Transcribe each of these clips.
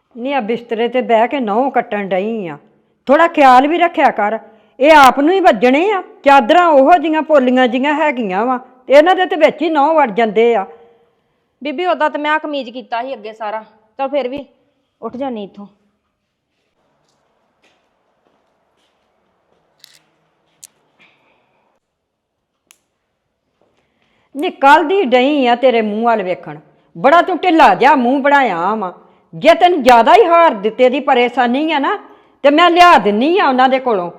ਨਹੀਂ ਆ ਬਿਸਤਰੇ ਤੇ ਬਹਿ ਕੇ ਨਹੁੰ ਕੱਟਣ ਡਈ ਆ। ਥੋੜਾ ਖਿਆਲ ਵੀ ਰੱਖਿਆ ਕਰ। ਇਹ ਆਪ ਨੂੰ ਹੀ ਵੱਜਣੇ ਆ। ਚਾਦਰਾਂ ਉਹੋ ਜੀਆਂ ਪੋਲੀਆਂ ਜੀਆਂ ਹੈਗੀਆਂ ਵਾ ਤੇ ਇਹਨਾਂ ਦੇ ਤੇ ਵਿੱਚ ਹੀ ਨਹੁੰ ਵੜ ਜਾਂਦੇ ਆ। ਬੀਬੀ ਉਦਾਂ ਤਾਂ ਮੈਂ ਕਮੀਜ਼ ਕੀਤਾ ਸੀ ਅੱਗੇ ਸਾਰਾ, ਤਾਂ ਫਿਰ ਵੀ ਉੱਠ ਜਾਨੀ ਇੱਥੋਂ। ਨੀ ਕੱਲ ਦੀ ਡਈ ਆ ਤੇਰੇ ਮੂੰਹ ਵੱਲ ਵੇਖਣ। ਬੜਾ ਤੂੰ ਢਿੱਲਾ ਜਿਹਾ ਮੂੰਹ ਬਣਾਇਆ ਵਾ। ਜੇ ਤੈਨੂੰ ਜ਼ਿਆਦਾ ਹੀ ਹਾਰ ਦਿੱਤੇ ਦੀ ਪਰੇਸ਼ਾਨੀ ਆ ਨਾ ਤੇ ਮੈਂ ਲਿਆ ਦਿੰਨੀ ਆ ਉਹਨਾਂ ਦੇ ਕੋਲੋਂ।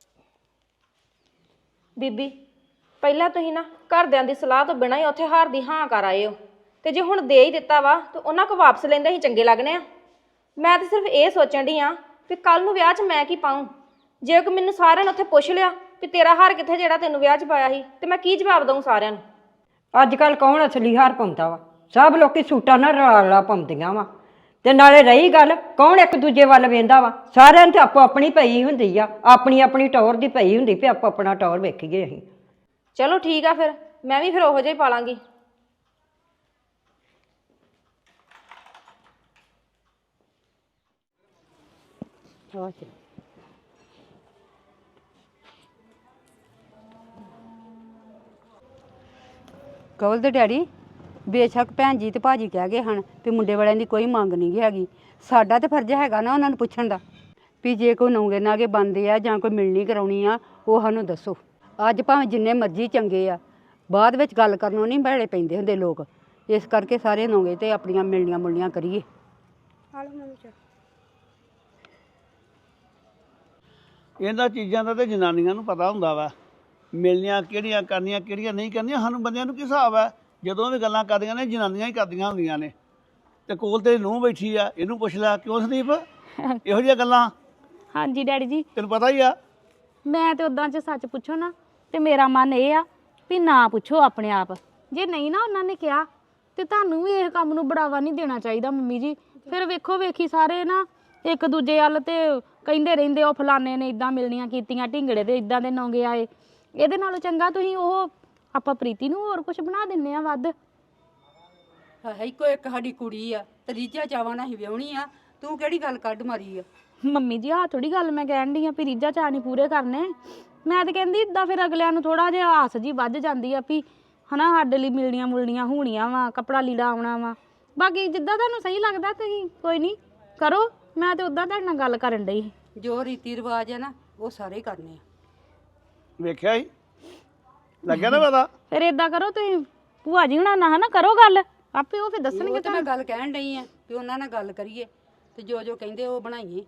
ਬੀਬੀ ਪਹਿਲਾਂ ਤੁਸੀਂ ਨਾ ਘਰਦਿਆਂ ਦੀ ਸਲਾਹ ਤੋਂ ਬਿਨਾਂ ਹੀ ਉੱਥੇ ਹਾਰ ਦੀ ਹਾਂ ਕਰ ਆਏ ਹੋ, ਤੇ ਜੇ ਹੁਣ ਦੇ ਹੀ ਦਿੱਤਾ ਵਾ ਤੇ ਉਹਨਾਂ ਕੋ ਵਾਪਸ ਲੈਂਦੇ ਹੀ ਚੰਗੇ ਲੱਗਣੇ ਆ। ਮੈਂ ਤਾਂ ਸਿਰਫ ਇਹ ਸੋਚਣ ਡਈ ਆ ਵੀ ਕੱਲ ਨੂੰ ਵਿਆਹ 'ਚ ਮੈਂ ਕੀ ਪਾऊँ। ਜੇ ਕੋਈ ਮੈਨੂੰ ਸਾਰਿਆਂ ਨੇ ਉੱਥੇ ਪੁੱਛ ਲਿਆ ਵੀ ਤੇਰਾ ਹਾਰ ਕਿੱਥੇ ਜਿਹੜਾ ਤੈਨੂੰ ਵਿਆਹ 'ਚ ਪਾਇਆ ਸੀ, ਤੇ ਮੈਂ ਕੀ ਜਵਾਬ ਦਊਂ ਸਾਰਿਆਂ ਨੂੰ। ਅੱਜ ਕੱਲ੍ਹ ਕੌਣ ਅਸਲੀ ਹਾਰ ਪਾਉਂਦਾ ਵਾ? ਸਭ ਲੋਕੀ ਸੂਟਾਂ ਨਾਲ ਰਲਾ ਪਾਉਂਦੀਆਂ ਵਾ। ਤੇ ਨਾਲੇ ਰਹੀ ਗੱਲ, ਕੌਣ ਇੱਕ ਦੂਜੇ ਵੱਲ ਵੇਂਦਾ ਵਾ? ਸਾਰਿਆਂ ਨੂੰ ਤੇ ਆਪੋ ਆਪਣੀ ਪਈ ਹੁੰਦੀ ਆ, ਆਪਣੀ ਆਪਣੀ ਟੌਰ ਦੀ ਪਈ ਹੁੰਦੀ ਵੀ ਆਪੋ ਆਪਣਾ ਟੌਰ ਵੇਖੀਏ ਅਸੀਂ। ਚਲੋ ਠੀਕ ਆ, ਫਿਰ ਮੈਂ ਵੀ ਫਿਰ ਉਹੋ ਜਿਹਾ ਹੀ ਪਾ ਲਾਂਗੀ। ਕਵਲ ਦੇ ਡੈਡੀ ਬੇਸ਼ੱਕ ਭੈਣ ਜੀ ਤੇ ਭਾਜੀ ਕਹਿ ਗਏ ਹਨ ਵੀ ਮੁੰਡੇ ਵਾਲਿਆਂ ਦੀ ਕੋਈ ਮੰਗ ਨਹੀਂ ਹੈਗੀ। ਸਾਡਾ ਤੇ ਫਰਜ਼ ਹੈਗਾ ਨਾ ਉਹਨਾਂ ਨੂੰ ਪੁੱਛਣ ਦਾ ਵੀ ਜੇ ਕੋਈ ਨੌਂਗੇ ਨਾਗੇ ਬਣਦੇ ਆ ਜਾਂ ਕੋਈ ਮਿਲਣੀ ਕਰਾਉਣੀ ਆ ਉਹ ਸਾਨੂੰ ਦੱਸੋ। ਅੱਜ ਭਾਵੇਂ ਜਿੰਨੇ ਮਰਜ਼ੀ ਚੰਗੇ ਆ, ਬਾਅਦ ਵਿੱਚ ਗੱਲ ਕਰਨੋਂ ਨਹੀਂ ਬਹਿਲੇ ਪੈਂਦੇ ਹੁੰਦੇ ਲੋਕ। ਇਸ ਕਰਕੇ ਸਾਰੇ ਨੌਂਗੇ ਤੇ ਆਪਣੀਆਂ ਮਿਲਣੀਆਂ ਮੁਲਣੀਆਂ ਕਰੀਏ। ਇਹਨਾਂ ਚੀਜ਼ਾਂ ਦਾ ਤੇ ਜਨਾਨੀਆਂ ਨੂੰ ਪਤਾ ਹੁੰਦਾ ਵਾ, ਮਿਲਣੀਆਂ ਕਿਹੜੀਆਂ ਕਰਨੀਆਂ ਕਿਹੜੀਆਂ ਨਹੀਂ ਕਰਨੀਆਂ। ਸਾਨੂੰ ਬੰਦਿਆਂ ਨੂੰ ਕੀ ਹਿਸਾਬ ਹੈ? ਜਦੋਂ ਵੀ ਗੱਲਾਂ ਕਰਦੀਆਂ ਨੇ ਜਨਾਨੀਆਂ ਹੀ ਕਰਦੀਆਂ ਹੁੰਦੀਆਂ ਨੇ। ਤੇ ਕੋਲ ਤੇ ਨੂੰਹ ਬੈਠੀ ਆ, ਇਹਨੂੰ ਪੁੱਛ ਲੈ। ਕਿਉਂ ਸੰਦੀਪ ਇਹੋ ਜਿਹੀਆਂ ਗੱਲਾਂ? ਹਾਂਜੀ ਡੈਡੀ ਜੀ, ਤੈਨੂੰ ਪਤਾ ਹੀ ਆ। ਮੈਂ ਤੇ ਉਦਾਂ 'ਚ ਸੱਚ ਪੁੱਛੋ ਨਾ ਤੇ ਮੇਰਾ ਮਨ ਇਹ ਆ ਵੀ ਨਾ ਪੁੱਛੋ ਆਪਣੇ ਆਪ। ਜੇ ਨਹੀਂ ਨਾ ਉਹਨਾਂ ਨੇ ਕਿਹਾ ਤੇ ਤੁਹਾਨੂੰ ਵੀ ਇਹ ਕੰਮ ਨੂੰ ਬੜਾਵਾ ਨਹੀਂ ਦੇਣਾ ਚਾਹੀਦਾ ਮੰਮੀ ਜੀ। ਫਿਰ ਵੇਖੋ ਵੇਖੀ ਸਾਰੇ ਨਾ ਇੱਕ ਦੂਜੇ ਵੱਲ ਤੇ ਕਹਿੰਦੇ ਰਹਿੰਦੇ ਉਹ ਫਲਾਣੇ ਨੇ ਇਦਾਂ ਮਿਲਣੀਆਂ ਕੀਤੀਆਂ, ਢਿੰਗੜੇ ਤੇ ਇਦਾਂ ਦੇ ਨੌਂਗੇ ਆਏ। ਇਹਦੇ ਨਾਲੋਂ ਚੰਗਾ ਤੁਸੀਂ ਉਹ ਆਪਾਂ ਪ੍ਰੀਤੀ ਨੂੰ ਹੋਰ ਕੁਝ ਬਣਾ ਦਿੰਨੇ ਆ ਵੱਧ। ਇੱਕੋ ਇੱਕ ਸਾਡੀ ਕੁੜੀ ਆ ਤੇ ਰੀਝਾਂ ਚਾਵਾਂ ਨਾਲ ਹੀ ਵਿਆਹਣੀ ਆ। ਤੂੰ ਕਿਹੜੀ ਗੱਲ ਕੱਢ ਮਾਰੀ ਆ? ਮੰਮੀ ਜੀ ਆਹ ਥੋੜੀ ਗੱਲ ਮੈਂ ਕਹਿਣ ਡਈ ਆ ਵੀ ਰੀਝਾਂ ਚਾਅ ਨਹੀਂ ਪੂਰੇ ਕਰਨੇ। ਮੈਂ ਤਾਂ ਕਹਿੰਦੀ ਇਦਾਂ ਫਿਰ ਅਗਲਿਆਂ ਨੂੰ ਥੋੜਾ ਜਿਹਾ ਆਸ ਜੀ ਵੱਧ ਜਾਂਦੀ ਆ ਵੀ ਹਨਾ ਸਾਡੇ ਲਈ ਮਿਲਣੀਆਂ ਮੁਲਣੀਆਂ ਹੋਣੀਆਂ ਵਾ, ਕੱਪੜਾ ਲੀੜਾ ਆਉਣਾ ਵਾ। ਬਾਕੀ ਜਿੱਦਾਂ ਤੁਹਾਨੂੰ ਸਹੀ ਲੱਗਦਾ ਤੁਸੀਂ ਕੋਈ ਨਹੀਂ ਕਰੋ। ਮੈਂ ਤੇ ਉਦਾਂ ਤੁਹਾਡੇ ਨਾਲ ਗੱਲ ਕਰਨ ਡਈ। ਜੋ ਰੀਤੀ ਰਿਵਾਜ ਆ ਨਾ ਉਹ ਸਾਰੇ ਕਰਨੇ ਆ। ਵੇਖਿਆ ਹੀ ਲੱਗਿਆ ਨਾ ਪਤਾ। ਫਿਰ ਏਦਾਂ ਕਰੋ ਤੁਸੀਂ ਭੂਆ ਜੀ ਹੁਣਾਂ ਨਾਲ ਹਨਾ ਕਰੋ ਗੱਲ, ਆਪੇ ਉਹ ਫਿਰ ਦੱਸਣਗੇ ਤੇ ਮੈਂ ਗੱਲ ਕਹਿਣ ਡਈ ਆ ਵੀ ਉਹਨਾਂ ਨਾਲ ਗੱਲ ਕਰੀਏ ਤੇ ਜੋ ਜੋ ਕਹਿੰਦੇ ਉਹ ਬਣਾਈਏ।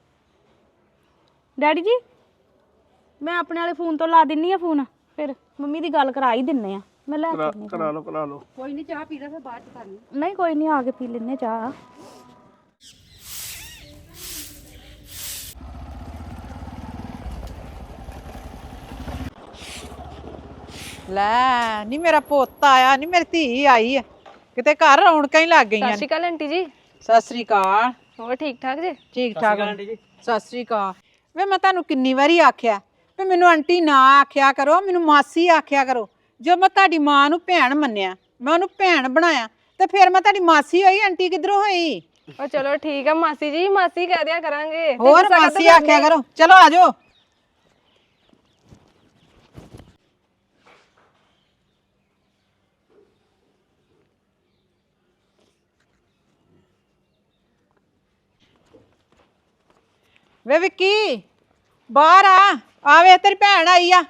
ਡੈਡੀ ਜੀ ਮੈਂ ਆਪਣੇ ਵਾਲੇ ਫੋਨ ਤੋਂ ਲਾ ਦਿੰਨੀ ਆ ਫੋਨ, ਫਿਰ ਮੰਮੀ ਦੀ ਗੱਲ ਕਰਾ ਹੀ ਦਿੰਨੇ ਆ। ਮੈਂ ਲੈ ਕੇ ਕਰਾ ਲਓ। ਕੋਈ ਨਹੀਂ ਚਾਹ ਪੀ ਲੈ ਫਿਰ ਬਾਅਦ ਚ ਕਰਨੀ। ਨਹੀਂ ਕੋਈ ਨਹੀਂ ਆ ਕੇ ਪੀ ਲੈਨੇ ਚਾਹ। ਲੈ ਨੀ ਮੇਰਾ ਪੁੱਤ ਆਇਆ, ਨੀ ਮੇਰੀ ਧੀ ਆਈ ਆ। ਕਿਤੇ ਘਰ ਰੌਣਕਾਂ ਹੀ ਲੱਗ ਗਈਆਂ। ਸਤਿ ਸ਼੍ਰੀ ਅਕਾਲ ਆਂਟੀ ਜੀ। ਸਤਿ ਸ੍ਰੀ ਅਕਾਲ। ਹੋਰ ਠੀਕ ਠਾਕ ਜੀ? ਠੀਕ ਠਾਕ ਆਂਟੀ ਜੀ। ਸਤਿ ਸ੍ਰੀ ਅਕਾਲ। ਵੇ ਮੈਂ ਤੁਹਾਨੂੰ ਕਿੰਨੀ ਵਾਰੀ ਆਖਿਆ ਵੀ ਮੈਨੂੰ ਆਂਟੀ ਨਾ ਆਖਿਆ ਕਰੋ, ਮੈਨੂੰ ਮਾਸੀ ਆਖਿਆ ਕਰੋ। ਜੋ ਮੈਂ ਤੁਹਾਡੀ ਮਾਂ ਨੂੰ ਭੈਣ ਮੰਨਿਆ, ਮੈਂ ਉਹਨੂੰ ਭੈਣ ਬਣਾਇਆ ਤੇ ਫਿਰ ਮੈਂ ਤੁਹਾਡੀ ਮਾਸੀ ਹੋਈ। ਆਂਟੀ ਕਿੱਧਰੋਂ ਹੋਈ? ਉਹ ਚਲੋ ਠੀਕ ਆ ਮਾਸੀ ਜੀ, ਮਾਸੀ ਕਹਿ ਦਿਆ ਕਰਾਂਗੇ। ਹੋਰ ਮਾਸੀ ਆਖਿਆ ਕਰੋ। ਚਲੋ ਆ ਜਾਓ। ਵੇ ਵਿੱਕੀ ਬਾਹਰ ਆ ਵੇ ਤੇਰੀ ਭੈਣ ਆਈ ਆ।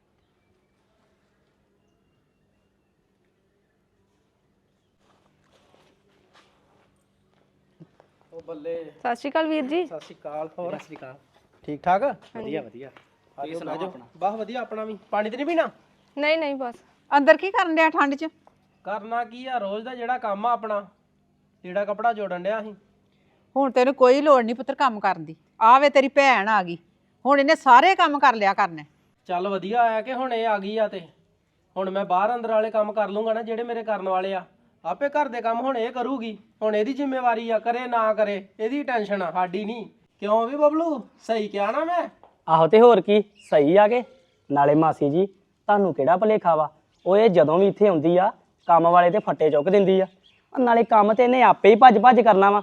ਉਹ ਬੱਲੇ। ਸਤਿ ਸ਼੍ਰੀ ਅਕਾਲ ਵੀਰ ਜੀ। ਸਤਿ ਸ਼੍ਰੀ ਅਕਾਲ। ਹੋਰ ਸਤਿ ਸ਼੍ਰੀ ਅਕਾਲ। ਠੀਕ ਠਾਕ? ਵਧੀਆ ਵਧੀਆ। ਆਜੋ ਸੁਣਾਓ। ਬਸ ਵਧੀਆ ਆਪਣਾ ਵੀ। ਪਾਣੀ ਤੇ ਨਹੀਂ ਪੀਣਾ? ਨਹੀਂ ਨਹੀਂ ਬਸ। ਅੰਦਰ ਕੀ ਕਰਨ ਡਿਆ ਠੰਡ 'ਚ? ਕਰਨਾ ਕੀ ਆ, ਰੋਜ਼ ਦਾ ਜਿਹੜਾ ਕੰਮ ਆ ਆਪਣਾ, ਜਿਹੜਾ ਕਪੜਾ ਜੋੜਨ ਡਿਆ ਅਸੀਂ। ਹੁਣ ਤੈਨੂੰ ਕੋਈ ਲੋੜ ਨਹੀਂ ਪੁੱਤਰ ਕੰਮ ਕਰਨ ਦੀ। ਆਵੇ ਤੇਰੀ ਭੈਣ ਆ ਗਈ, ਹੁਣ ਇਹਨੇ ਸਾਰੇ ਕੰਮ ਕਰ ਲਿਆ ਕਰਨੇ। ਚੱਲ ਵਧੀਆ ਆਇਆ ਕਿ ਹੁਣ ਇਹ ਆ ਗਈ ਆ ਤੇ ਹੁਣ ਮੈਂ ਬਾਹਰ ਅੰਦਰ ਵਾਲੇ ਕੰਮ ਕਰ ਲੂੰਗਾ ਨਾ ਜਿਹੜੇ ਮੇਰੇ ਕਰਨ ਵਾਲੇ ਆ। ਆਪੇ ਘਰ ਦੇ ਕੰਮ ਹੁਣ ਇਹ ਕਰੂਗੀ। ਹੁਣ ਇਹਦੀ ਜ਼ਿੰਮੇਵਾਰੀ ਆ, ਕਰੇ ਨਾ ਕਰੇ ਇਹਦੀ ਟੈਨਸ਼ਨ ਆ, ਸਾਡੀ ਨਹੀਂ। ਕਿਉਂ ਵੀ ਬਬਲੂ ਸਹੀ ਕਿਹਾ ਨਾ ਮੈਂ? ਆਹੋ ਤੇ ਹੋਰ ਕੀ ਸਹੀ ਆ ਕੇ। ਨਾਲੇ ਮਾਸੀ ਜੀ ਤੁਹਾਨੂੰ ਕਿਹੜਾ ਭੁਲੇਖਾ ਵਾ, ਉਹ ਇਹ ਜਦੋਂ ਵੀ ਇੱਥੇ ਆਉਂਦੀ ਆ ਕੰਮ ਵਾਲੇ ਤੇ ਫੱਟੇ ਚੁੱਕ ਦਿੰਦੀ ਆ। ਨਾਲੇ ਕੰਮ ਤੇ ਇਹਨੇ ਆਪੇ ਹੀ ਭੱਜ ਭੱਜ ਕਰਨਾ ਵਾ।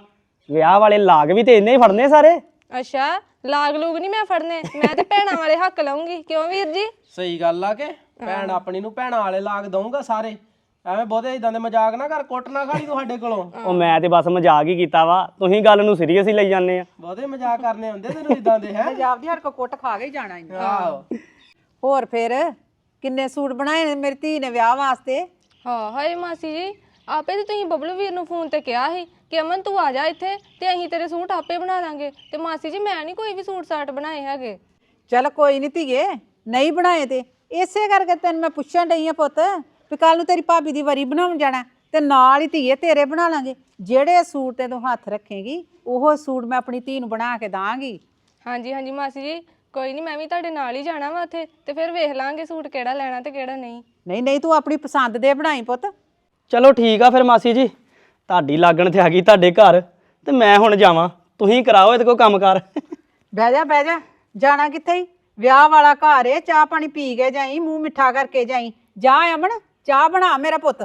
ਵਿਆਹ ਵਾਲੇ ਲਾਗ ਵੀ ਤੇ ਇੰਨੇ ਹੀ ਫੜਨੇ ਸਾਰੇ। ਅੱਛਾ, ਲਾਗ ਲੂਗ ਨਹੀਂ ਮੈਂ ਫੜਨੇ, ਮੈਂ ਤੇ ਭੈਣਾਂ ਵਾਲੇ ਹੱਕ ਲਾਉਂਗੀ, ਕਿਉਂ ਵੀਰ ਜੀ? ਸਹੀ ਗੱਲ ਆ ਕਿ ਭੈਣ ਆਪਣੀ ਨੂੰ ਭੈਣਾਂ ਵਾਲੇ ਲਾਗ ਦਊਂਗਾ ਸਾਰੇ। ਐਵੇਂ ਬਹੁਤੇ ਇਦਾਂ ਦੇ ਮਜ਼ਾਕ ਨਾ ਕਰ, ਕੁੱਟ ਨਾ ਖਾਲੀ ਤੁਹਾਡੇ ਕੋਲੋਂ। ਉਹ ਮੈਂ ਤੇ ਬਸ ਮਜ਼ਾਕ ਹੀ ਕੀਤਾ ਵਾ, ਤੁਸੀਂ ਗੱਲ ਨੂੰ ਸੀਰੀਅਸ ਹੀ ਲਈ ਜਾਂਦੇ ਆ। ਬਹੁਤੇ ਮਜ਼ਾਕ ਕਰਨੇ ਹੁੰਦੇ ਤੈਨੂੰ ਇਦਾਂ ਦੇ ਹੈ। ਪੰਜਾਬ ਦੀ ਹਰ ਕੋ ਕੁੱਟ ਖਾ ਕੇ ਹੀ ਜਾਣਾ ਇਹਨੇ। ਆਹੋ ਹੋਰ ਫਿਰ ਕਿੰਨੇ ਸੂਟ ਬਣਾਏ ਨੇ ਮੇਰੀ ਧੀ ਨੇ ਵਿਆਹ ਵਾਸਤੇ? ਹਾਂ ਹਾਏ ਮਾਸੀ ਜੀ, ਆਪੇ ਤੇ ਤੁਸੀਂ ਬਬਲੂ ਵੀਰ ਨੂੰ ਫੋਨ ਤੇ ਕਿਹਾ ਸੀ ਕਿ ਅਮਨ ਤੂੰ ਆ ਜਾ ਇੱਥੇ ਤੇ ਅਸੀਂ ਤੇਰੇ ਸੂਟ ਆਪੇ ਬਣਾ ਦਾਂਗੇ। ਤੇ ਮਾਸੀ ਜੀ ਮੈਂ ਨਹੀਂ ਕੋਈ ਵੀ ਸੂਟ ਸਾਟ ਬਣਾਏ ਹੈਗੇ। ਚੱਲ ਕੋਈ ਨਹੀਂ ਧੀਏ, ਨਹੀਂ ਬਣਾਏ ਤੇ ਇਸੇ ਕਰਕੇ ਤੈਨੂੰ ਮੈਂ ਪੁੱਛਣ ਡਈ ਆ ਪੁੱਤ ਵੀ ਕੱਲ ਨੂੰ ਤੇਰੀ ਭਾਬੀ ਦੀ ਵਰੀ ਬਣਾਉਣ ਜਾਣਾ ਤੇ ਨਾਲ ਹੀ ਧੀਏ ਤੇਰੇ ਬਣਾ ਲਾਂਗੇ। ਜਿਹੜੇ ਸੂਟ ਤੇ ਤੂੰ ਹੱਥ ਰੱਖੇਂਗੀ ਉਹ ਸੂਟ ਮੈਂ ਆਪਣੀ ਧੀ ਨੂੰ ਬਣਾ ਕੇ ਦਾਂਗੀ। ਹਾਂਜੀ ਹਾਂਜੀ ਮਾਸੀ ਜੀ, ਕੋਈ ਨਹੀਂ, ਮੈਂ ਵੀ ਤੁਹਾਡੇ ਨਾਲ ਹੀ ਜਾਣਾ ਵਾ ਉੱਥੇ ਤੇ ਫਿਰ ਵੇਖ ਲਾਂਗੇ ਸੂਟ ਕਿਹੜਾ ਲੈਣਾ ਤੇ ਕਿਹੜਾ ਨਹੀਂ। ਨਹੀਂ ਨਹੀਂ, ਤੂੰ ਆਪਣੀ ਪਸੰਦ ਦੇ ਬਣਾਈ ਪੁੱਤ। ਚਲੋ ਠੀਕ ਆ ਫਿਰ ਮਾਸੀ ਜੀ, ਤੁਹਾਡੀ ਲਾਗਣ ਤੇ ਆ ਗਈ ਤੁਹਾਡੇ ਘਰ, ਤੇ ਮੈਂ ਹੁਣ ਜਾਵਾਂ, ਤੁਸੀਂ ਕਰਾਓ ਇਹਦੇ ਕੋਲ ਕੰਮ ਕਾਰ। ਬਹਿ ਜਾ ਬਹਿ ਜਾ, ਜਾਣਾ ਕਿੱਥੇ ਈ? ਵਿਆਹ ਵਾਲਾ ਘਰ ਏ, ਚਾਹ ਪਾਣੀ ਪੀ ਕੇ ਜਾਈ, ਮੂੰਹ ਮਿੱਠਾ ਕਰਕੇ ਜਾਈ। ਜਾ ਅਮਨ, ਚਾਹ ਬਣਾ ਮੇਰਾ ਪੁੱਤ।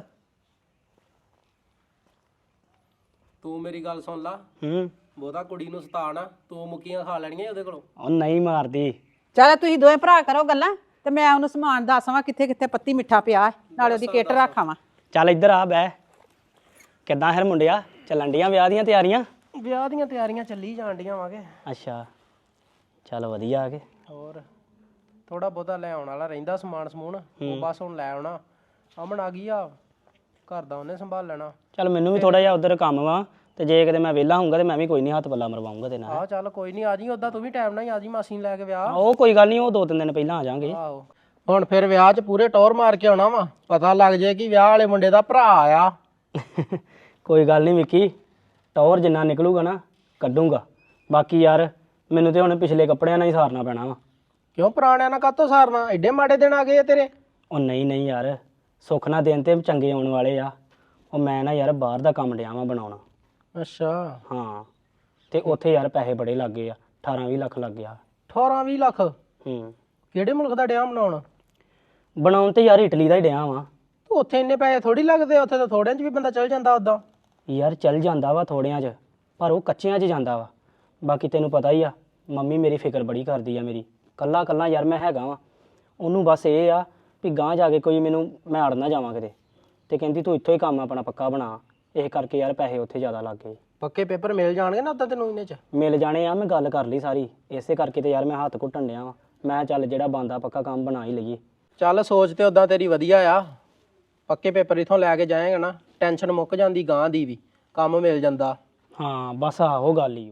ਤੂੰ ਮੇਰੀ ਗੱਲ ਸੁਣ ਲਾ, ਹੂੰ। ਬਹੁਤਾ ਕੁੜੀ ਨੂੰ ਸਤਾ ਨਾ, ਤੂੰ ਮੁੱਕੀਆਂ ਖਾ ਲੈਣੀਆਂ ਉਹਦੇ ਕੋਲੋਂ। ਉਹ ਨਹੀਂ ਮਾਰਦੀ। ਚੱਲ ਤੁਸੀਂ ਦੋਵੇਂ ਭਰਾ ਕਰੋ ਗੱਲਾਂ ਤੇ ਮੈਂ ਉਹਨੂੰ ਸਮਾਨ ਦੱਸਾਂ ਕਿੱਥੇ ਕਿੱਥੇ ਪੱਤੀ ਮਿੱਠਾ ਪਿਆ ਹੈ, ਨਾਲੇ ਉਹਦੀ ਕਿੱਟ ਰੱਖਾਵਾਂ। ਚੱਲ ਇੱਧਰ ਆ ਬਹਿ। ਕਿੱਦਾਂ ਫਿਰ ਮੁੰਡਿਆ, ਚੱਲਣ ਡੀਆਂ ਵਿਆਹ ਦੀਆਂ ਤਿਆਰੀਆਂ? ਵਿਆਹ ਦੀਆਂ ਤਿਆਰੀਆਂ ਚੱਲੀ ਜਾਣ ਡੀਆਂ ਵਾਂਗੇ। ਅੱਛਾ, ਚੱਲ ਵਧੀਆ ਆ ਕੇ। ਹੋਰ ਥੋੜਾ ਬਹੁਤਾ ਲੈ ਆਉਣ ਵਾਲਾ ਰਹਿੰਦਾ ਸਮਾਨ ਸਮੂਨ, ਉਹ ਬਸ ਹੁਣ ਲੈ ਆਉਣਾ। ਅਮਨ ਆ ਗਈ ਆ, ਘਰ ਦਾ ਉਹਨੇ ਸੰਭਾਲ ਲੈਣਾ। ਚੱਲ ਮੈਨੂੰ ਵੀ ਥੋੜਾ ਜਿਹਾ ਉਧਰ ਕੰਮ ਵਾ, ਤੇ ਜੇ ਕਿਤੇ ਮੈਂ ਵਿਹਲਾ ਹੋਊਂਗਾ ਤੇ ਮੈਂ ਵੀ ਕੋਈ ਨਹੀਂ ਹੱਥ ਪੱਲਾ ਮਰਵਾਉਂਗਾ ਤੇ ਨਾਲ। ਆਹ ਚੱਲ ਕੋਈ ਨਹੀਂ, ਆ ਜੀ ਉਦਾਂ ਤੂੰ ਵੀ ਟਾਈਮ ਨਾਲ ਹੀ ਆ ਜੀ ਮਾਸੀ ਨੂੰ ਲੈ ਕੇ ਵਿਆਹ। ਉਹ ਕੋਈ ਗੱਲ ਨਹੀਂ, ਉਹ 2-3 ਦਿਨ ਪਹਿਲਾਂ ਆ ਜਾਾਂਗੇ। ਆਹੋ ਹੁਣ ਫਿਰ ਵਿਆਹ 'ਚ ਪੂਰੇ ਟੌਰ ਮਾਰ ਕੇ ਆਉਣਾ ਵਾ, ਪਤਾ ਲੱਗ ਜੇ ਕਿ ਵਿਆਹ ਵਾਲੇ ਮੁੰਡੇ ਦਾ ਭਰਾ ਆ। ਕੋਈ ਗੱਲ ਨਹੀਂ ਵਿੱਕੀ, ਟੌਰ ਜਿੰਨਾ ਨਿਕਲੂਗਾ ਨਾ ਕੱਢੂਗਾ। ਬਾਕੀ ਯਾਰ ਮੈਨੂੰ ਤੇ ਹੁਣ ਪਿਛਲੇ ਕੱਪੜਿਆਂ ਨਾਲ ਹੀ ਸਾਰਨਾ ਪੈਣਾ ਵਾ। ਕਿਉਂ ਪੁਰਾਣਿਆਂ ਨਾਲ ਕਾਹਤੋਂ ਸਾਰਨਾ, ਐਡੇ ਮਾੜੇ ਦਿਨ ਆ ਗਏ ਆ ਤੇਰੇ। ਉਹ ਨਹੀਂ ਨਹੀਂ ਯਾਰ, ਸੁੱਖ ਨਾ ਦਿਨ ਤੇ ਚੰਗੇ ਆਉਣ ਵਾਲੇ ਆ। ਉਹ ਮੈਂ ਨਾ ਯਾਰ ਬਾਹਰ ਦਾ ਕੰਮ ਡਿਆ ਵਾਂ ਬਣਾਉਣਾ। ਅੱਛਾ, ਹਾਂ, ਤੇ ਉੱਥੇ ਯਾਰ ਪੈਸੇ ਬੜੇ ਲੱਗ ਗਏ ਆ, 18-20 ਲੱਖ ਲੱਗ ਗਿਆ। 18-20 ਲੱਖ? ਹੂੰ। ਕਿਹੜੇ ਮੁਲਕ ਦਾ ਡਿਆ ਬਣਾਉਣ? ਬਣਾਉਣ ਤੇ ਯਾਰ ਇਟਲੀ ਦਾ ਹੀ ਡਿਆ ਵਾਂ। ਉੱਥੇ ਇੰਨੇ ਪੈਸੇ ਥੋੜੀ ਲੱਗਦੇ, ਉੱਥੇ ਤਾਂ ਥੋੜਿਆਂ 'ਚ ਵੀ ਬੰਦਾ ਚੱਲ ਜਾਂਦਾ ਉਦਾਂ। ਯਾਰ ਚੱਲ ਜਾਂਦਾ ਵਾ ਥੋੜਿਆਂ 'ਚ, ਪਰ ਉਹ ਕੱਚਿਆਂ 'ਚ ਜਾਂਦਾ ਵਾ। ਬਾਕੀ ਤੈਨੂੰ ਪਤਾ ਹੀ ਆ, ਮੰਮੀ ਮੇਰੀ ਫਿਕਰ ਬੜੀ ਕਰਦੀ ਆ ਮੇਰੀ। ਕੱਲਾ ਕੱਲਾ ਯਾਰ ਮੈਂ ਹੈਗਾ ਵਾਂ, ਉਹਨੂੰ ਬਸ ਇਹ ਆ ਵੀ ਗਾਂਹ ਜਾ ਕੇ ਕੋਈ ਮੈਂ ਅੜ ਨਾ ਜਾਵਾਂ ਕਿਤੇ, ਤੇ ਕਹਿੰਦੀ ਤੂੰ ਇੱਥੋਂ ਹੀ ਕੰਮ ਆਪਣਾ ਪੱਕਾ ਬਣਾ। ਇਹ ਕਰਕੇ ਯਾਰ ਪੈਸੇ ਉੱਥੇ ਜ਼ਿਆਦਾ ਲੱਗ ਗਏ। ਪੱਕੇ ਪੇਪਰ ਮਿਲ ਜਾਣਗੇ ਨਾ ਉਦਾਂ ਤੈਨੂੰ ਇਹਨੇ 'ਚ? ਮਿਲ ਜਾਣੇ ਆ, ਮੈਂ ਗੱਲ ਕਰ ਲਈ ਸਾਰੀ, ਇਸੇ ਕਰਕੇ ਤੇ ਯਾਰ ਮੈਂ ਹੱਥ ਘੁੱਟਣ ਡਿਆ ਵਾਂ। ਮੈਂ ਚੱਲ ਜਿਹੜਾ ਬੰਦਾ ਪੱਕਾ ਕੰਮ ਬਣਾ ਹੀ ਲਈਏ। ਚੱਲ ਸੋਚ ਤੇ ਉਦਾਂ ਤੇਰੀ ਵਧੀਆ ਆ, ਪੱਕੇ ਪੇਪਰ ਇਥੋਂ ਲੈ ਕੇ ਜਾਏਗਾ ਨਾ, ਟੈਨਸ਼ਨ ਮੁੱਕ ਜਾਂਦੀ ਗਾਂ ਦੀ ਵੀ, ਕੰਮ ਮਿਲ ਜਾਂਦਾ। ਹਾਂ ਬਸ ਆਹੋ ਗੱਲ ਹੀ।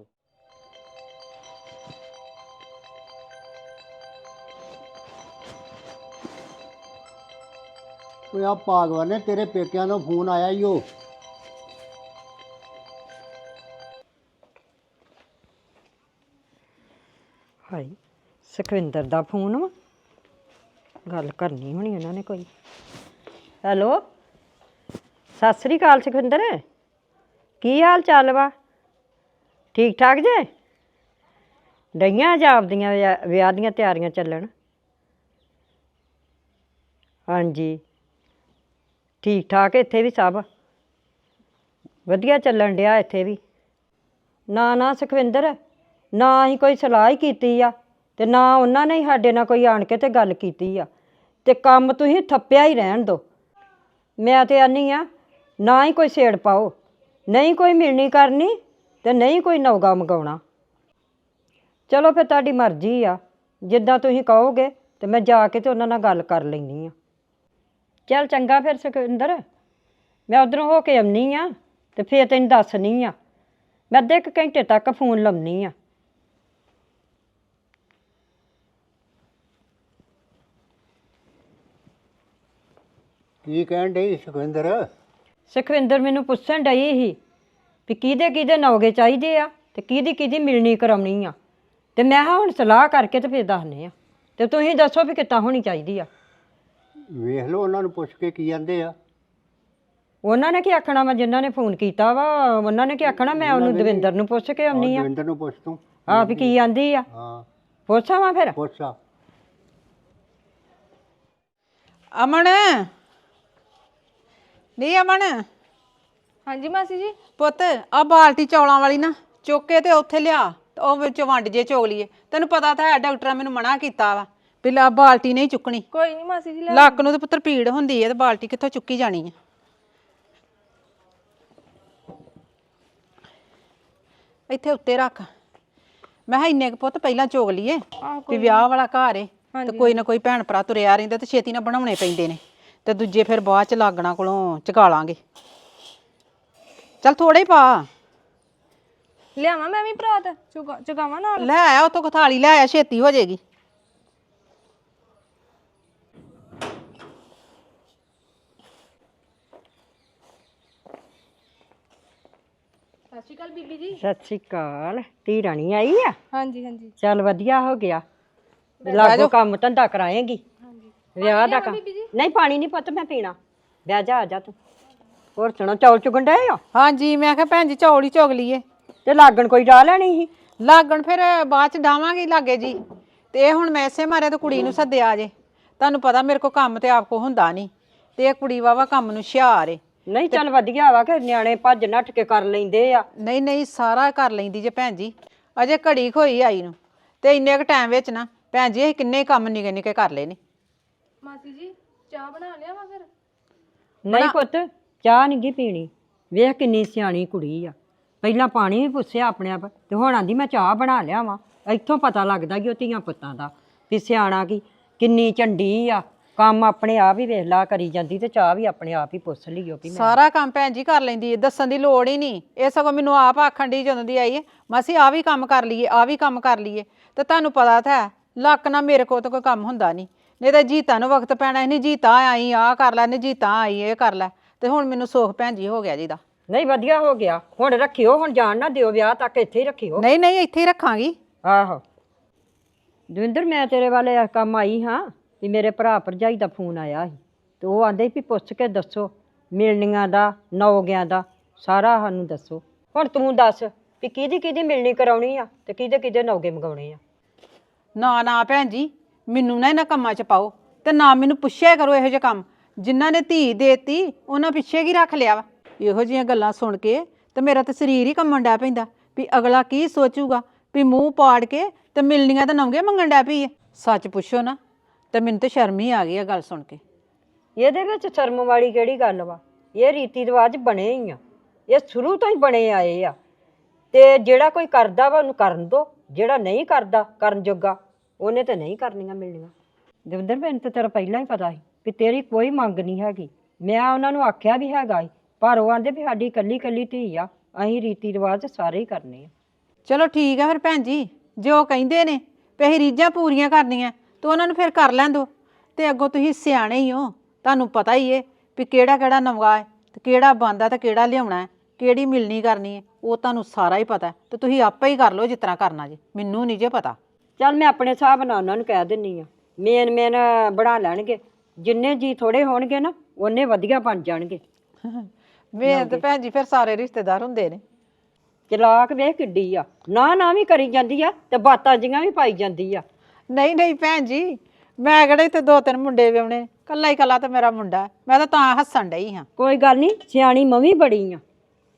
ਓਏ ਆ ਭਾਗਵਾਨ ਨੇ ਤੇਰੇ ਪੇਕਿਆਂ ਤੋਂ ਫੋਨ ਆਇਆ ਈ ਓ। ਹਾਈ ਸੁਖਵਿੰਦਰ ਦਾ ਫੋਨ ਵਾ, ਗੱਲ ਕਰਨੀ ਹੋਣੀ ਉਹਨਾਂ ਨੇ ਕੋਈ। ਹੈਲੋ, ਸਤਿ ਸ੍ਰੀ ਅਕਾਲ ਸੁਖਵਿੰਦਰ, ਕੀ ਹਾਲ ਚਾਲ ਵਾ? ਠੀਕ ਠਾਕ ਜੇ? ਡਈਆਂ ਜਾਂ ਆਪਦੀਆਂ ਵਿਆਹ ਦੀਆਂ ਤਿਆਰੀਆਂ ਚੱਲਣ? ਹਾਂਜੀ ਠੀਕ ਠਾਕ, ਇੱਥੇ ਵੀ ਸਭ ਵਧੀਆ ਚੱਲਣ ਡਿਆ ਇੱਥੇ ਵੀ। ਨਾ ਨਾ ਸੁਖਵਿੰਦਰ, ਨਾ ਅਸੀਂ ਕੋਈ ਸਲਾਹ ਹੀ ਕੀਤੀ ਆ, ਤੇ ਨਾ ਉਹਨਾਂ ਨੇ ਸਾਡੇ ਨਾਲ ਕੋਈ ਆਣ ਕੇ ਤੇ ਗੱਲ ਕੀਤੀ ਆ, ਤੇ ਕੰਮ ਤੁਸੀਂ ਥੱਪਿਆ ਹੀ ਰਹਿਣ ਦਿਓ। ਮੈਂ ਤੇ ਆਨੀ ਆ ਨਾ ਹੀ ਕੋਈ ਛੇੜ ਪਾਓ, ਨਹੀਂ ਕੋਈ ਮਿਲਣੀ ਕਰਨੀ ਤੇ ਨਹੀਂ ਕੋਈ ਨੌਗਾ ਮੰਗਾਉਣਾ। ਚਲੋ ਫਿਰ ਤੁਹਾਡੀ ਮਰਜ਼ੀ ਆ, ਜਿੱਦਾਂ ਤੁਸੀਂ ਕਹੋਗੇ, ਤੇ ਮੈਂ ਜਾ ਕੇ ਤੇ ਉਹਨਾਂ ਨਾਲ ਗੱਲ ਕਰ ਲੈਂਦੀ ਆ। ਚੱਲ ਚੰਗਾ ਫਿਰ ਸੁਖਵਿੰਦਰ, ਮੈਂ ਉੱਧਰੋਂ ਹੋ ਕੇ ਆਉਣੀ ਆ ਤੇ ਫਿਰ ਤੈਨੂੰ ਦੱਸਣੀ ਆ। ਮੈਂ ਅੱਧੇ ਕੁ ਘੰਟੇ ਤੱਕ ਫੋਨ ਲਾਉਣੀ ਆ। ਕੀ ਕਹਿਣ ਡਈ ਸੁਖਵਿੰਦਰ? ਸੁਖਵਿੰਦਰ ਮੈਨੂੰ ਪੁੱਛਣ ਡਈ ਸੀ ਵੀ ਕਿਹਦੇ ਕਿਹਦੇ ਨੌਗੇ ਚਾਹੀਦੇ ਆ ਤੇ ਕਿਹਦੀ ਕਿਹਦੀ ਮਿਲਣੀ ਕਰਾਉਣੀ ਆ, ਤੇ ਮੈਂ ਕਿਹਾ ਹੁਣ ਸਲਾਹ ਕਰਕੇ ਤੇ ਫਿਰ ਦੱਸਦੇ ਆ, ਤੇ ਤੁਸੀਂ ਦੱਸੋ ਵੀ ਕਿੱਦਾਂ ਹੋਣੀ ਚਾਹੀਦੀ ਆ। ਵੇਖ ਲਓ ਉਹਨਾਂ ਨੂੰ ਪੁੱਛ ਕੇ ਕੀ ਕਹਿੰਦੇ ਆ। ਉਹਨਾਂ ਨੇ ਕੀ ਆਖਣਾ ਵਾ, ਜਿਨ੍ਹਾਂ ਨੇ ਫੋਨ ਕੀਤਾ ਵਾ ਉਹਨਾਂ ਨੇ ਕੀ ਆਖਣਾ। ਮੈਂ ਉਹਨੂੰ ਦਵਿੰਦਰ ਨੂੰ ਪੁੱਛ ਕੇ ਆਉਣੀ ਆ। ਦਵਿੰਦਰ ਨੂੰ ਪੁੱਛ ਤੂੰ। ਆ ਵੀ ਕੀ ਆਂਦੀ ਆ, ਹਾਂ ਪੁੱਛਾਂ ਵਾ ਫਿਰ। ਪੁੱਛ ਆ। ਅਮਨ, ਨਹੀਂ ਅਮਨ, ਹਾਂਜੀ ਮਾਸੀ ਜੀ। ਪੁੱਤ ਆ ਬਾਲਟੀ ਚੌਲਾਂ ਵਾਲੀ ਨਾ ਚੁੱਕ ਕੇ ਤੇ ਉੱਥੇ ਲਿਆ ਤੇ ਉਹ ਵਿੱਚ ਵੰਡ ਜੇ ਚੋਗ ਲਈਏ। ਤੈਨੂੰ ਪਤਾ ਤਾਂ ਹੈ ਡਾਕਟਰਾਂ ਮੈਨੂੰ ਮਨਾ ਕੀਤਾ ਵਾ ਵੀ ਬਾਲਟੀ ਨਹੀਂ ਚੁੱਕਣੀ। ਕੋਈ ਨਹੀਂ ਮਾਸੀ ਜੀ, ਲੱਕ ਨੂੰ ਤੇ ਪੁੱਤਰ ਪੀੜ ਹੁੰਦੀ ਹੈ ਤੇ ਬਾਲਟੀ ਕਿੱਥੋਂ ਚੁੱਕੀ ਜਾਣੀ ਹੈ। ਇੱਥੇ ਉੱਤੇ ਰੱਖ। ਮੈਂ ਕਿਹਾ ਇੰਨੇ ਕੁ ਪੁੱਤ ਪਹਿਲਾਂ ਚੋਗ ਲਈਏ ਵੀ ਵਿਆਹ ਵਾਲਾ ਘਰ ਏ ਤੇ ਕੋਈ ਨਾ ਕੋਈ ਭੈਣ ਭਰਾ ਤੁਰਿਆ ਰਹਿੰਦਾ ਤੇ ਛੇਤੀ ਨਾਲ ਬਣਾਉਣੇ ਪੈਂਦੇ ਨੇ ਤੇ ਦੂਜੇ ਫਿਰ ਬਾਅਦ ਚ ਲਾਗਣਾ ਕੋਲੋਂ ਚੁਕਾ ਲਾਂਗੇ। ਚੱਲ ਥੋੜੇ ਹੀ ਪਾ। ਲਿਆਵਾਂ ਮੈਂ ਵੀ ਭਰਾਤ ਚੁਕਾਵਾਂ ਨਾਲ। ਲੈ ਆਇਆ ਉਤੋਂ ਥਾਲੀ ਲੈ ਆਇਆ, ਛੇਤੀ ਹੋ ਜਾਏਗੀ। ਸਤਿ ਸ਼੍ਰੀ ਅਕਾਲ ਬੀਬੀ ਜੀ। ਸਤਿ ਸ਼੍ਰੀ ਅਕਾਲ। ਧੀ ਰਾਣੀ ਆਈ ਆ? ਹਾਂਜੀ ਹਾਂਜੀ। ਚੱਲ ਵਧੀਆ ਹੋ ਗਿਆ, ਲਾਗੋ ਕੰਮ ਧੰਦਾ ਕਰਾਏਗੀ। ਵਿਆਹ ਦਾ ਕੰਮ ਨਹੀਂ, ਪਾਣੀ ਨਹੀਂ ਪੁੱਤ ਮੈਂ ਪੀਣਾ। ਬਹਿ ਜਾ, ਆ ਜਾ ਤੂੰ। ਹੋਰ ਸੁਣੋ, ਚੌਲ ਚੁਗਣ ਡਏ ਆ? ਹਾਂਜੀ ਮੈਂ ਕਿਹਾ ਭੈਣ ਜੀ ਚੌਲ ਹੀ ਚੁਗ ਲਈਏ। ਤੇ ਲਾਗਣ ਕੋਈ ਡਾਹ ਲੈਣੀ ਸੀ? ਲਾਗਣ ਫਿਰ ਬਾਅਦ ਚ ਡਾਵਾਂਗੇ ਲਾਗੇ ਜੀ। ਤੇ ਇਹ ਹੁਣ ਮੈਂ ਇਸੇ ਮਾਰੇ ਤੇ ਕੁੜੀ ਨੂੰ ਸੱਦਿਆ ਜੇ। ਤੁਹਾਨੂੰ ਪਤਾ ਮੇਰੇ ਕੋ ਕੰਮ ਤੇ ਆਪ ਕੋ ਹੁੰਦਾ ਨਹੀਂ ਤੇ ਇਹ ਕੁੜੀ ਵਾਵਾ ਕੰਮ ਨੂੰ ਹੁਸ਼ਿਆਰ ਏ। ਨਹੀਂ ਚੱਲ ਵਧੀਆ ਵਾ ਕਿ ਨਿਆਣੇ ਭੱਜ ਨੱਠ ਕੇ ਕਰ ਲੈਂਦੇ ਆ। ਨਹੀਂ ਨਹੀਂ ਸਾਰਾ ਕਰ ਲੈਂਦੀ ਜੇ ਭੈਣ ਜੀ। ਅਜੇ ਘੜੀ ਖੋਈ ਆਈ ਨੂੰ ਤੇ ਇੰਨੇ ਕੁ ਟਾਈਮ ਵਿੱਚ ਨਾ ਭੈਣ ਜੀ ਅਸੀਂ ਕਿੰਨੇ ਕੰਮ ਨਿੱਕੇ ਨਿੱਕੇ ਕਰ ਲਏ ਨੇ। ਮਾਸੀ ਜੀ ਚਾਹ ਬਣਾ ਲਿਆ ਵਾ ਫਿਰ? ਨਹੀਂ ਪੁੱਤ, ਚਾਹ ਨਹੀਂ ਗੀ ਪੀਣੀ। ਵੇਖ ਕਿੰਨੀ ਸਿਆਣੀ ਕੁੜੀ ਆ। ਪਹਿਲਾਂ ਪਾਣੀ ਵੀ ਪੁੱਛਿਆ ਆਪਣੇ ਆਪ ਤੇ ਹੁਣ ਆਂਦੀ ਮੈਂ ਚਾਹ ਬਣਾ ਲਿਆ ਵਾਂ। ਇੱਥੋਂ ਪਤਾ ਲੱਗਦਾ ਕਿ ਉਹ ਧੀਆਂ ਪੁੱਤਾਂ ਦਾ ਵੀ ਸਿਆਣਾ ਕੀ ਕਿੰਨੀ ਝੰਡੀ ਆ। ਕੰਮ ਆਪਣੇ ਆਪ ਹੀ ਵੇਖ ਲਾ ਕਰੀ ਜਾਂਦੀ ਤੇ ਚਾਹ ਵੀ ਆਪਣੇ ਆਪ ਹੀ ਪੁੱਛ ਲਈਓ ਵੀ ਸਾਰਾ ਕੰਮ ਭੈਣ ਜੀ ਕਰ ਲੈਂਦੀ ਏ, ਦੱਸਣ ਦੀ ਲੋੜ ਹੀ ਨਹੀਂ। ਇਹ ਸਗੋਂ ਮੈਨੂੰ ਆਪ ਆਖਣ ਦੀ ਜਦੋਂ ਦੀ ਆਈ ਏ ਮਾਸੀ ਆ ਵੀ ਕੰਮ ਕਰ ਲਈਏ, ਆ ਵੀ ਕੰਮ ਕਰ ਲਈਏ। ਤੇ ਤੁਹਾਨੂੰ ਪਤਾ ਤਾਂ ਹੈ ਲੱਕ ਨਾਲ ਮੇਰੇ ਕੋਲ ਤਾਂ ਕੋਈ ਕੰਮ ਹੁੰਦਾ ਨਹੀਂ ਤਾਂ ਜੀਤਾ ਨੂੰ ਵਕਤ ਪੈਣਾ ਨਹੀਂ। ਜੀਤਾ ਆਈ ਆ ਕਰ ਲੈ, ਨਹੀਂ ਜੀਤਾ ਆਈ ਇਹ ਕਰ ਲੈ। ਤੇ ਹੁਣ ਮੈਨੂੰ ਸੁੱਖ ਭੈਣ ਜੀ ਹੋ ਗਿਆ ਜੀ ਦਾ। ਨਹੀਂ ਵਧੀਆ ਹੋ ਗਿਆ। ਹੁਣ ਰੱਖਿਓ, ਹੁਣ ਜਾਣ ਨਾ ਦਿਓ ਵਿਆਹ ਤੱਕ, ਇੱਥੇ ਹੀ ਰੱਖਿਓ। ਨਹੀਂ ਨਹੀਂ ਇੱਥੇ ਹੀ ਰੱਖਾਂਗੀ। ਆਹੋ ਦਵਿੰਦਰ, ਮੈਂ ਤੇਰੇ ਵਾਲੇ ਇਸ ਕੰਮ ਆਈ ਹਾਂ ਵੀ ਮੇਰੇ ਭਰਾ ਭਰਜਾਈ ਦਾ ਫੋਨ ਆਇਆ ਸੀ ਤੇ ਉਹ ਆਂਦੇ ਵੀ ਪੁੱਛ ਕੇ ਦੱਸੋ ਮਿਲਣੀਆਂ ਦਾ, ਨੌਗਿਆਂ ਦਾ ਸਾਰਾ ਸਾਨੂੰ ਦੱਸੋ। ਹੁਣ ਤੂੰ ਦੱਸ ਵੀ ਕਿਹਦੀ ਕਿਹਦੀ ਮਿਲਣੀ ਕਰਾਉਣੀ ਆ ਤੇ ਕਿਹਦੇ ਕਿਹਦੇ ਨੌਗੇ ਮੰਗਾਉਣੇ ਆ। ਨਾ ਨਾ ਭੈਣ ਜੀ ਮੈਨੂੰ ਨਾ ਇਹਨਾਂ ਕੰਮਾਂ 'ਚ ਪਾਓ ਤੇ ਨਾ ਮੈਨੂੰ ਪੁੱਛਿਆ ਕਰੋ ਇਹੋ ਜਿਹੇ ਕੰਮ। ਜਿਨ੍ਹਾਂ ਨੇ ਧੀ ਦੇਤੀ ਉਹਨਾਂ ਪਿੱਛੇ ਕੀ ਰੱਖ ਲਿਆ ਵਾ। ਇਹੋ ਜਿਹੀਆਂ ਗੱਲਾਂ ਸੁਣ ਕੇ ਤੇ ਮੇਰਾ ਤਾਂ ਸਰੀਰ ਹੀ ਕੰਮਣ ਡੈ ਪੈਂਦਾ ਵੀ ਅਗਲਾ ਕੀ ਸੋਚੂਗਾ ਵੀ ਮੂੰਹ ਪਾੜ ਕੇ ਤੇ ਮਿਲਣੀਆਂ ਤਾਂ ਨੌਗੇ ਮੰਗਣ ਡੈ ਪਈ ਹੈ। ਸੱਚ ਪੁੱਛੋ ਨਾ ਤੇ ਮੈਨੂੰ ਤਾਂ ਸ਼ਰਮ ਹੀ ਆ ਗਈ ਆ ਗੱਲ ਸੁਣ ਕੇ। ਇਹਦੇ ਵਿੱਚ ਸ਼ਰਮ ਵਾਲੀ ਕਿਹੜੀ ਗੱਲ ਵਾ? ਇਹ ਰੀਤੀ ਰਿਵਾਜ ਬਣੇ ਹੀ ਆ, ਇਹ ਸ਼ੁਰੂ ਤੋਂ ਹੀ ਬਣੇ ਆਏ ਆ। ਤੇ ਜਿਹੜਾ ਕੋਈ ਕਰਦਾ ਵਾ ਉਹਨੂੰ ਕਰਨ ਦੋ, ਜਿਹੜਾ ਨਹੀਂ ਕਰਦਾ ਕਰਨ ਜੋਗਾ ਉਹਨੇ ਤਾਂ ਨਹੀਂ ਕਰਨੀਆਂ ਮਿਲਣੀਆਂ। ਦਵਿੰਦਰ ਮੈਨੂੰ ਤਾਂ ਤੇਰਾ ਪਹਿਲਾਂ ਹੀ ਪਤਾ ਸੀ ਵੀ ਤੇਰੀ ਕੋਈ ਮੰਗ ਨਹੀਂ ਹੈਗੀ। ਮੈਂ ਉਹਨਾਂ ਨੂੰ ਆਖਿਆ ਵੀ ਹੈਗਾ ਸੀ ਪਰ ਉਹ ਆਂਦੇ ਵੀ ਸਾਡੀ ਇਕੱਲੀ ਇਕੱਲੀ ਧੀ ਆ, ਅਸੀਂ ਰੀਤੀ ਰਿਵਾਜ ਸਾਰੇ ਹੀ ਕਰਨੇ ਆ। ਚਲੋ ਠੀਕ ਆ ਫਿਰ ਭੈਣ ਜੀ, ਜੇ ਉਹ ਕਹਿੰਦੇ ਨੇ ਵੀ ਅਸੀਂ ਰੀਝਾਂ ਪੂਰੀਆਂ ਕਰਨੀਆਂ ਤਾਂ ਉਹਨਾਂ ਨੂੰ ਫਿਰ ਕਰ ਲੈਣ ਦਿਓ। ਤੇ ਅੱਗੋਂ ਤੁਸੀਂ ਸਿਆਣੇ ਹੀ ਹੋ, ਤੁਹਾਨੂੰ ਪਤਾ ਹੀ ਏ ਵੀ ਕਿਹੜਾ ਕਿਹੜਾ ਨਵਗਾ ਹੈ ਤੇ ਕਿਹੜਾ ਬੰਦਾ ਤੇ ਕਿਹੜਾ ਲਿਆਉਣਾ ਹੈ, ਕਿਹੜੀ ਮਿਲਣੀ ਕਰਨੀ ਹੈ, ਉਹ ਤੁਹਾਨੂੰ ਸਾਰਾ ਹੀ ਪਤਾ ਤੇ ਤੁਸੀਂ ਆਪੇ ਹੀ ਕਰ ਲਓ ਜਿਸ ਤਰ੍ਹਾਂ ਕਰਨਾ ਜੇ। ਮੈਨੂੰ ਨਹੀਂ ਜੇ ਪਤਾ। ਚੱਲ ਮੈਂ ਆਪਣੇ ਹਿਸਾਬ ਨਾਲ ਉਹਨਾਂ ਨੂੰ ਕਹਿ ਦਿੰਨੀ ਆ, ਮੇਨ ਬਣਾ ਲੈਣਗੇ। ਜਿੰਨੇ ਜੀ ਥੋੜੇ ਹੋਣਗੇ ਨਾ ਉਹਨੇ ਵਧੀਆ ਬਣ ਜਾਣਗੇ। ਮੇਰੇ ਤੇ ਭੈਣ ਜੀ ਫਿਰ ਸਾਰੇ ਰਿਸ਼ਤੇਦਾਰ ਹੁੰਦੇ ਨੇ। ਚਲਾਕ ਵੇਖ ਕਿੱਡੀ ਆ, ਨਾ ਵੀ ਕਰੀ ਜਾਂਦੀ ਆ ਤੇ ਬਾਤਾਂ ਜੀਆਂ ਵੀ ਪਾਈ ਜਾਂਦੀ ਆ। ਨਹੀਂ ਨਹੀਂ ਭੈਣ ਜੀ ਮੈਂ ਕਿਹੜੇ ਇੱਥੇ 2-3 ਮੁੰਡੇ ਵਿਆਹੁਣੇ, ਕੱਲਾ ਹੀ ਕੱਲਾ ਤੇ ਮੇਰਾ ਮੁੰਡਾ ਹੈ। ਮੈਂ ਤਾਂ ਹੱਸਣ ਡਈ ਹਾਂ। ਕੋਈ ਗੱਲ ਨਹੀਂ, ਸਿਆਣੀ ਮਵੀ ਬੜੀ ਆ।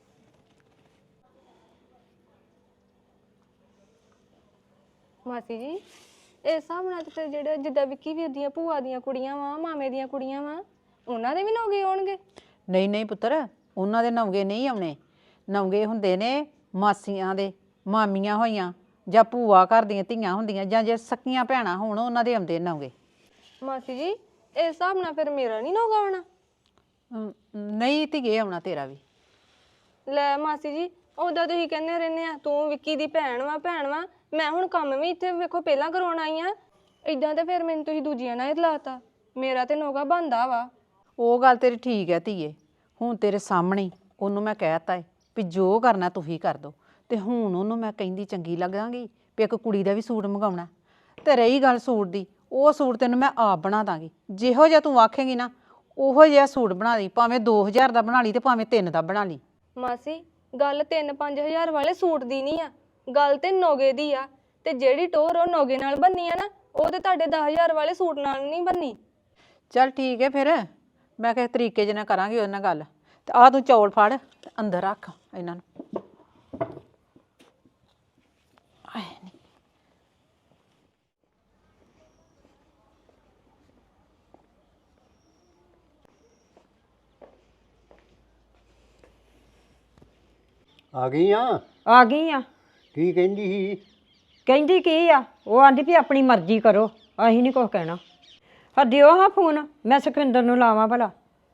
ਮਾਸੀ ਜੀ ਇਸ ਹਿਸਾਬ ਨਾਲ ਤੇ ਫਿਰ ਜਿਹੜੇ ਜਿੱਦਾਂ ਵਿੱਕੀ ਵੀਰ ਦੀਆਂ ਭੂਆ ਦੀਆਂ ਕੁੜੀਆਂ ਵਾ, ਮਾਮੇ ਦੀਆਂ ਕੁੜੀਆਂ ਵਾ, ਉਹਨਾਂ ਦੇ ਵੀ ਨੌਗੇ ਆਉਣਗੇ? ਨਹੀਂ ਨਹੀਂ ਪੁੱਤਰ ਉਹਨਾਂ ਦੇ ਨੌਗੇ ਨਹੀਂ ਆਉਣੇ। ਨੌਗੇ ਹੁੰਦੇ ਨੇ ਮਾਸੀਆਂ ਦੇ, ਮਾਮੀਆਂ ਹੋਈਆਂ ਜਾਂ ਭੂਆ ਘਰ ਦੀਆਂ ਧੀਆਂ ਹੁੰਦੀਆਂ ਜਾਂ ਜੇ ਸਕੀਆਂ ਭੈਣਾਂ ਹੋਣ ਉਹਨਾਂ ਦੇ ਆਉਂਦੇ ਨੌਗੇ। ਮਾਸੀ ਜੀ ਇਸ ਹਿਸਾਬ ਨਾਲ ਫਿਰ ਮੇਰਾ ਨਹੀਂ ਨੌਗਾ ਆਉਣਾ? ਨਹੀਂ ਧੀਏ ਆਉਣਾ ਤੇਰਾ ਵੀ। ਲੈ ਮਾਸੀ ਜੀ ਉਦਾਂ ਤੁਸੀਂ ਕਹਿੰਦੇ ਰਹਿੰਦੇ ਆ ਤੂੰ ਵਿੱਕੀ ਦੀ ਭੈਣ ਵਾ। ਮੈਂ ਹੁਣ ਕੰਮ ਵੀ ਇੱਥੇ ਵੇਖੋ ਪਹਿਲਾਂ ਕਰਾਉਣ ਆਈ ਆ, ਇਦਾਂ ਤੇ ਫਿਰ ਮੈਨੂੰ ਤੁਸੀਂ ਦੂਜੀਆਂ ਨਾਲ ਹੀ ਲਾਤਾ। ਮੇਰਾ ਤੇ ਨੌਗਾ ਬਣਦਾ ਵਾ। ਉਹ ਗੱਲ ਤੇਰੀ ਠੀਕ ਹੈ ਧੀਏ, ਹੁਣ ਤੇਰੇ ਸਾਹਮਣੇ ਉਹਨੂੰ ਮੈਂ ਕਹਿਤਾ ਏ ਵੀ ਜੋ ਕਰਨਾ ਤੁਸੀਂ ਕਰ ਦੋ। ਤੇ ਹੁਣ ਉਹਨੂੰ ਮੈਂ ਕਹਿੰਦੀ ਚੰਗੀ ਲੱਗਾਂਗੀ ਵੀ ਇੱਕ ਕੁੜੀ ਦਾ ਵੀ ਸੂਟ ਮੰਗਾਉਣਾ। ਤੇ ਰਹੀ ਗੱਲ ਸੂਟ ਦੀ, ਉਹ ਸੂਟ ਤੈਨੂੰ ਮੈਂ ਆਪ ਬਣਾ ਦਾਂਗੀ। ਜਿਹੋ ਜਿਹਾ ਤੂੰ ਆਖੇਂਗੀ ਨਾ ਉਹੋ ਜਿਹਾ ਸੂਟ ਬਣਾ ਲਈ, ਭਾਵੇਂ 2000 ਦਾ ਬਣਾ ਲਈ ਤੇ ਭਾਵੇਂ 3 ਦਾ ਬਣਾ ਲਈ। ਮਾਸੀ ਗੱਲ 3-5000 ਵਾਲੇ ਸੂਟ ਦੀ ਨਹੀਂ ਆ, ਗੱਲ ਤੇ ਨੌਗੇ ਦੀ ਆ। ਤੇ ਜਿਹੜੀ ਟੋਰ ਉਹ ਨੌਗੇ ਨਾਲ ਬੰਨੀ ਆ ਨਾ, ਉਹ ਤੇ ਤੁਹਾਡੇ 10000 ਵਾਲੇ ਸੂਟ ਨਾਲ ਨਹੀਂ ਬੰਨੀ। ਚੱਲ ਠੀਕ ਹੈ ਫਿਰ ਮੈਂ ਕਿਸੇ ਤਰੀਕੇ ਜਿਹੇ ਨਾਲ ਕਰਾਂਗੀ ਉਹਦੇ ਨਾਲ ਗੱਲ। ਤੇ ਆਹ ਤੂੰ ਚੌਲ ਫੜ ਤੇ ਅੰਦਰ ਰੱਖ ਇਹਨਾਂ ਨੂੰ। ਆ ਗਈ ਆ? ਆ ਗਈ ਆ। ਕੀ ਕਹਿੰਦੀ ਸੀ? ਕਹਿੰਦੀ ਕੀ ਆ, ਉਹ ਆਂਦੀ ਵੀ ਆਪਣੀ ਮਰਜ਼ੀ ਕਰੋ, ਅਸੀਂ ਨਹੀਂ ਕੁਛ ਕਹਿਣਾ। ਹਾਂ ਦਿਓ ਹਾਂ ਫੋਨ, ਮੈਂ ਸੁਖਵਿੰਦਰ ਨੂੰ ਲਾਵਾਂ ਭਲਾ।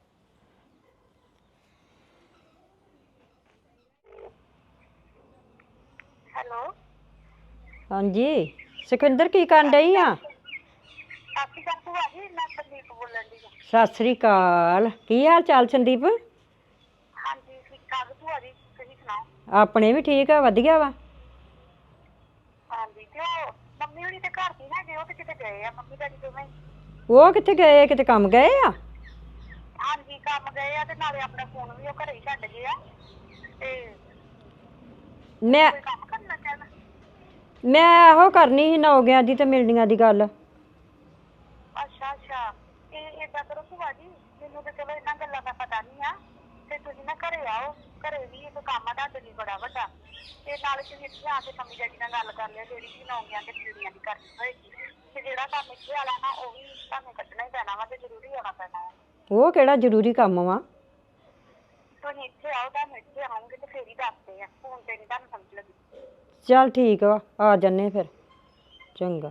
ਹੈਲੋ ਹਾਂਜੀ ਸੁਖਵਿੰਦਰ ਕੀ ਕਰਨ ਡਈ ਆ? ਸਤਿ ਸ਼੍ਰੀ ਅਕਾਲ ਭੂਆ ਜੀ, ਮੈਂ ਸੰਦੀਪ ਬੋਲਣ ਦੀ। ਸਤਿ ਸ੍ਰੀ ਅਕਾਲ, ਕੀ ਹਾਲ ਚਾਲ ਸੰਦੀਪ? ਹਾਂਜੀ ਠੀਕ ਠਾਕ ਭੂਆ ਜੀ, ਤੁਸੀਂ ਸੁਣਾਓ? ਆਪਣੇ ਵੀ ਠੀਕ ਆ, ਵਧੀਆ ਵਾ। ਹਾਂਜੀ ਤੇ ਉਹ ਮੰਮੀ ਹੋਣੀ ਤੇ ਘਰ ਦੀ ਹੈਗੇ, ਉਹ ਤੇ ਕਿਤੇ ਗਏ ਆ ਮੰਮੀ ਡੈਡੀ ਦੋਵੇਂ ਹੀ। ਉਹ ਕਿੱਥੇ ਗਏ? ਕਿਤੇ ਕੰਮ ਗਏ ਆ? ਹਾਂਜੀ ਕੰਮ ਗਏ ਆ, ਤੇ ਨਾਲੇ ਆਪਣਾ ਫੋਨ ਵੀ ਉਹ ਘਰੇ ਹੀ ਛੱਡ ਗਏ ਆ। ਤੇ ਮੈਂ ਕੋਈ ਕੰਮ ਕਰਨਾ ਚਾਹਣਾ? ਮੈਂ ਇਹੋ ਕਰਨੀ ਸੀ ਨੌਗਿਆਂ ਦੀ ਤੇ ਮਿਲਣੀਆਂ ਦੀ ਗੱਲ। ਅੱਛਾ ਅੱਛਾ, ਇਹ ਏਦਾਂ ਕਰੋ ਭੂਆ ਜੀ, ਮੈਨੂੰ ਤੇ ਚਲੋ ਇਹਨਾਂ ਗੱਲਾਂ ਦਾ ਪਤਾ ਨਹੀਂ ਆ, ਤੇ ਤੁਸੀਂ ਨਾ ਘਰੇ ਆਓ, ਘਰੇ ਵੀ ਇੱਕ ਕੰਮ ਆ ਤੁਹਾਡੇ ਲਈ ਬੜਾ ਵੱਡਾ, ਤੇ ਨਾਲੇ ਤੁਸੀਂ ਇੱਥੇ ਆ ਕੇ ਮੰਮੀ ਡੈਡੀ ਨਾਲ ਗੱਲ ਕਰ ਲਿਓ, ਜਿਹੜੀ ਵੀ ਨੌਗਿਆਂ ਤੇ ਮਿਲਣੀਆਂ ਦੀ ਕਰਨੀ ਹੋਏਗੀ, ਤੇ ਜਿਹੜਾ ਕੰਮ ਇੱਥੇ ਵਾਲਾ ਨਾ ਉਹ ਵੀ ਤੁਹਾਨੂੰ ਕੱਢਣਾ ਹੀ ਪੈਣਾ ਵਾ, ਤੇ ਜ਼ਰੂਰੀ ਆਉਣਾ ਪੈਣਾ ਹੈ। ਉਹ ਕਿਹੜਾ ਜ਼ਰੂਰੀ ਕੰਮ ਵਾ? ਤੁਸੀਂ ਇੱਥੇ ਆਓ, ਤੁਹਾਨੂੰ ਇੱਥੇ ਆਉਂਗੇ ਤੇ ਫੇਰ ਹੀ ਦੱਸਦੇ ਆ, ਫੋਨ ਤੇ ਨਹੀਂ ਤੁਹਾਨੂੰ ਸਮਝ ਲੱਗੀ। ਚੱਲ ਠੀਕ ਵਾ, ਆ ਜੰਨੇ ਫਿਰ। ਚੰਗਾ।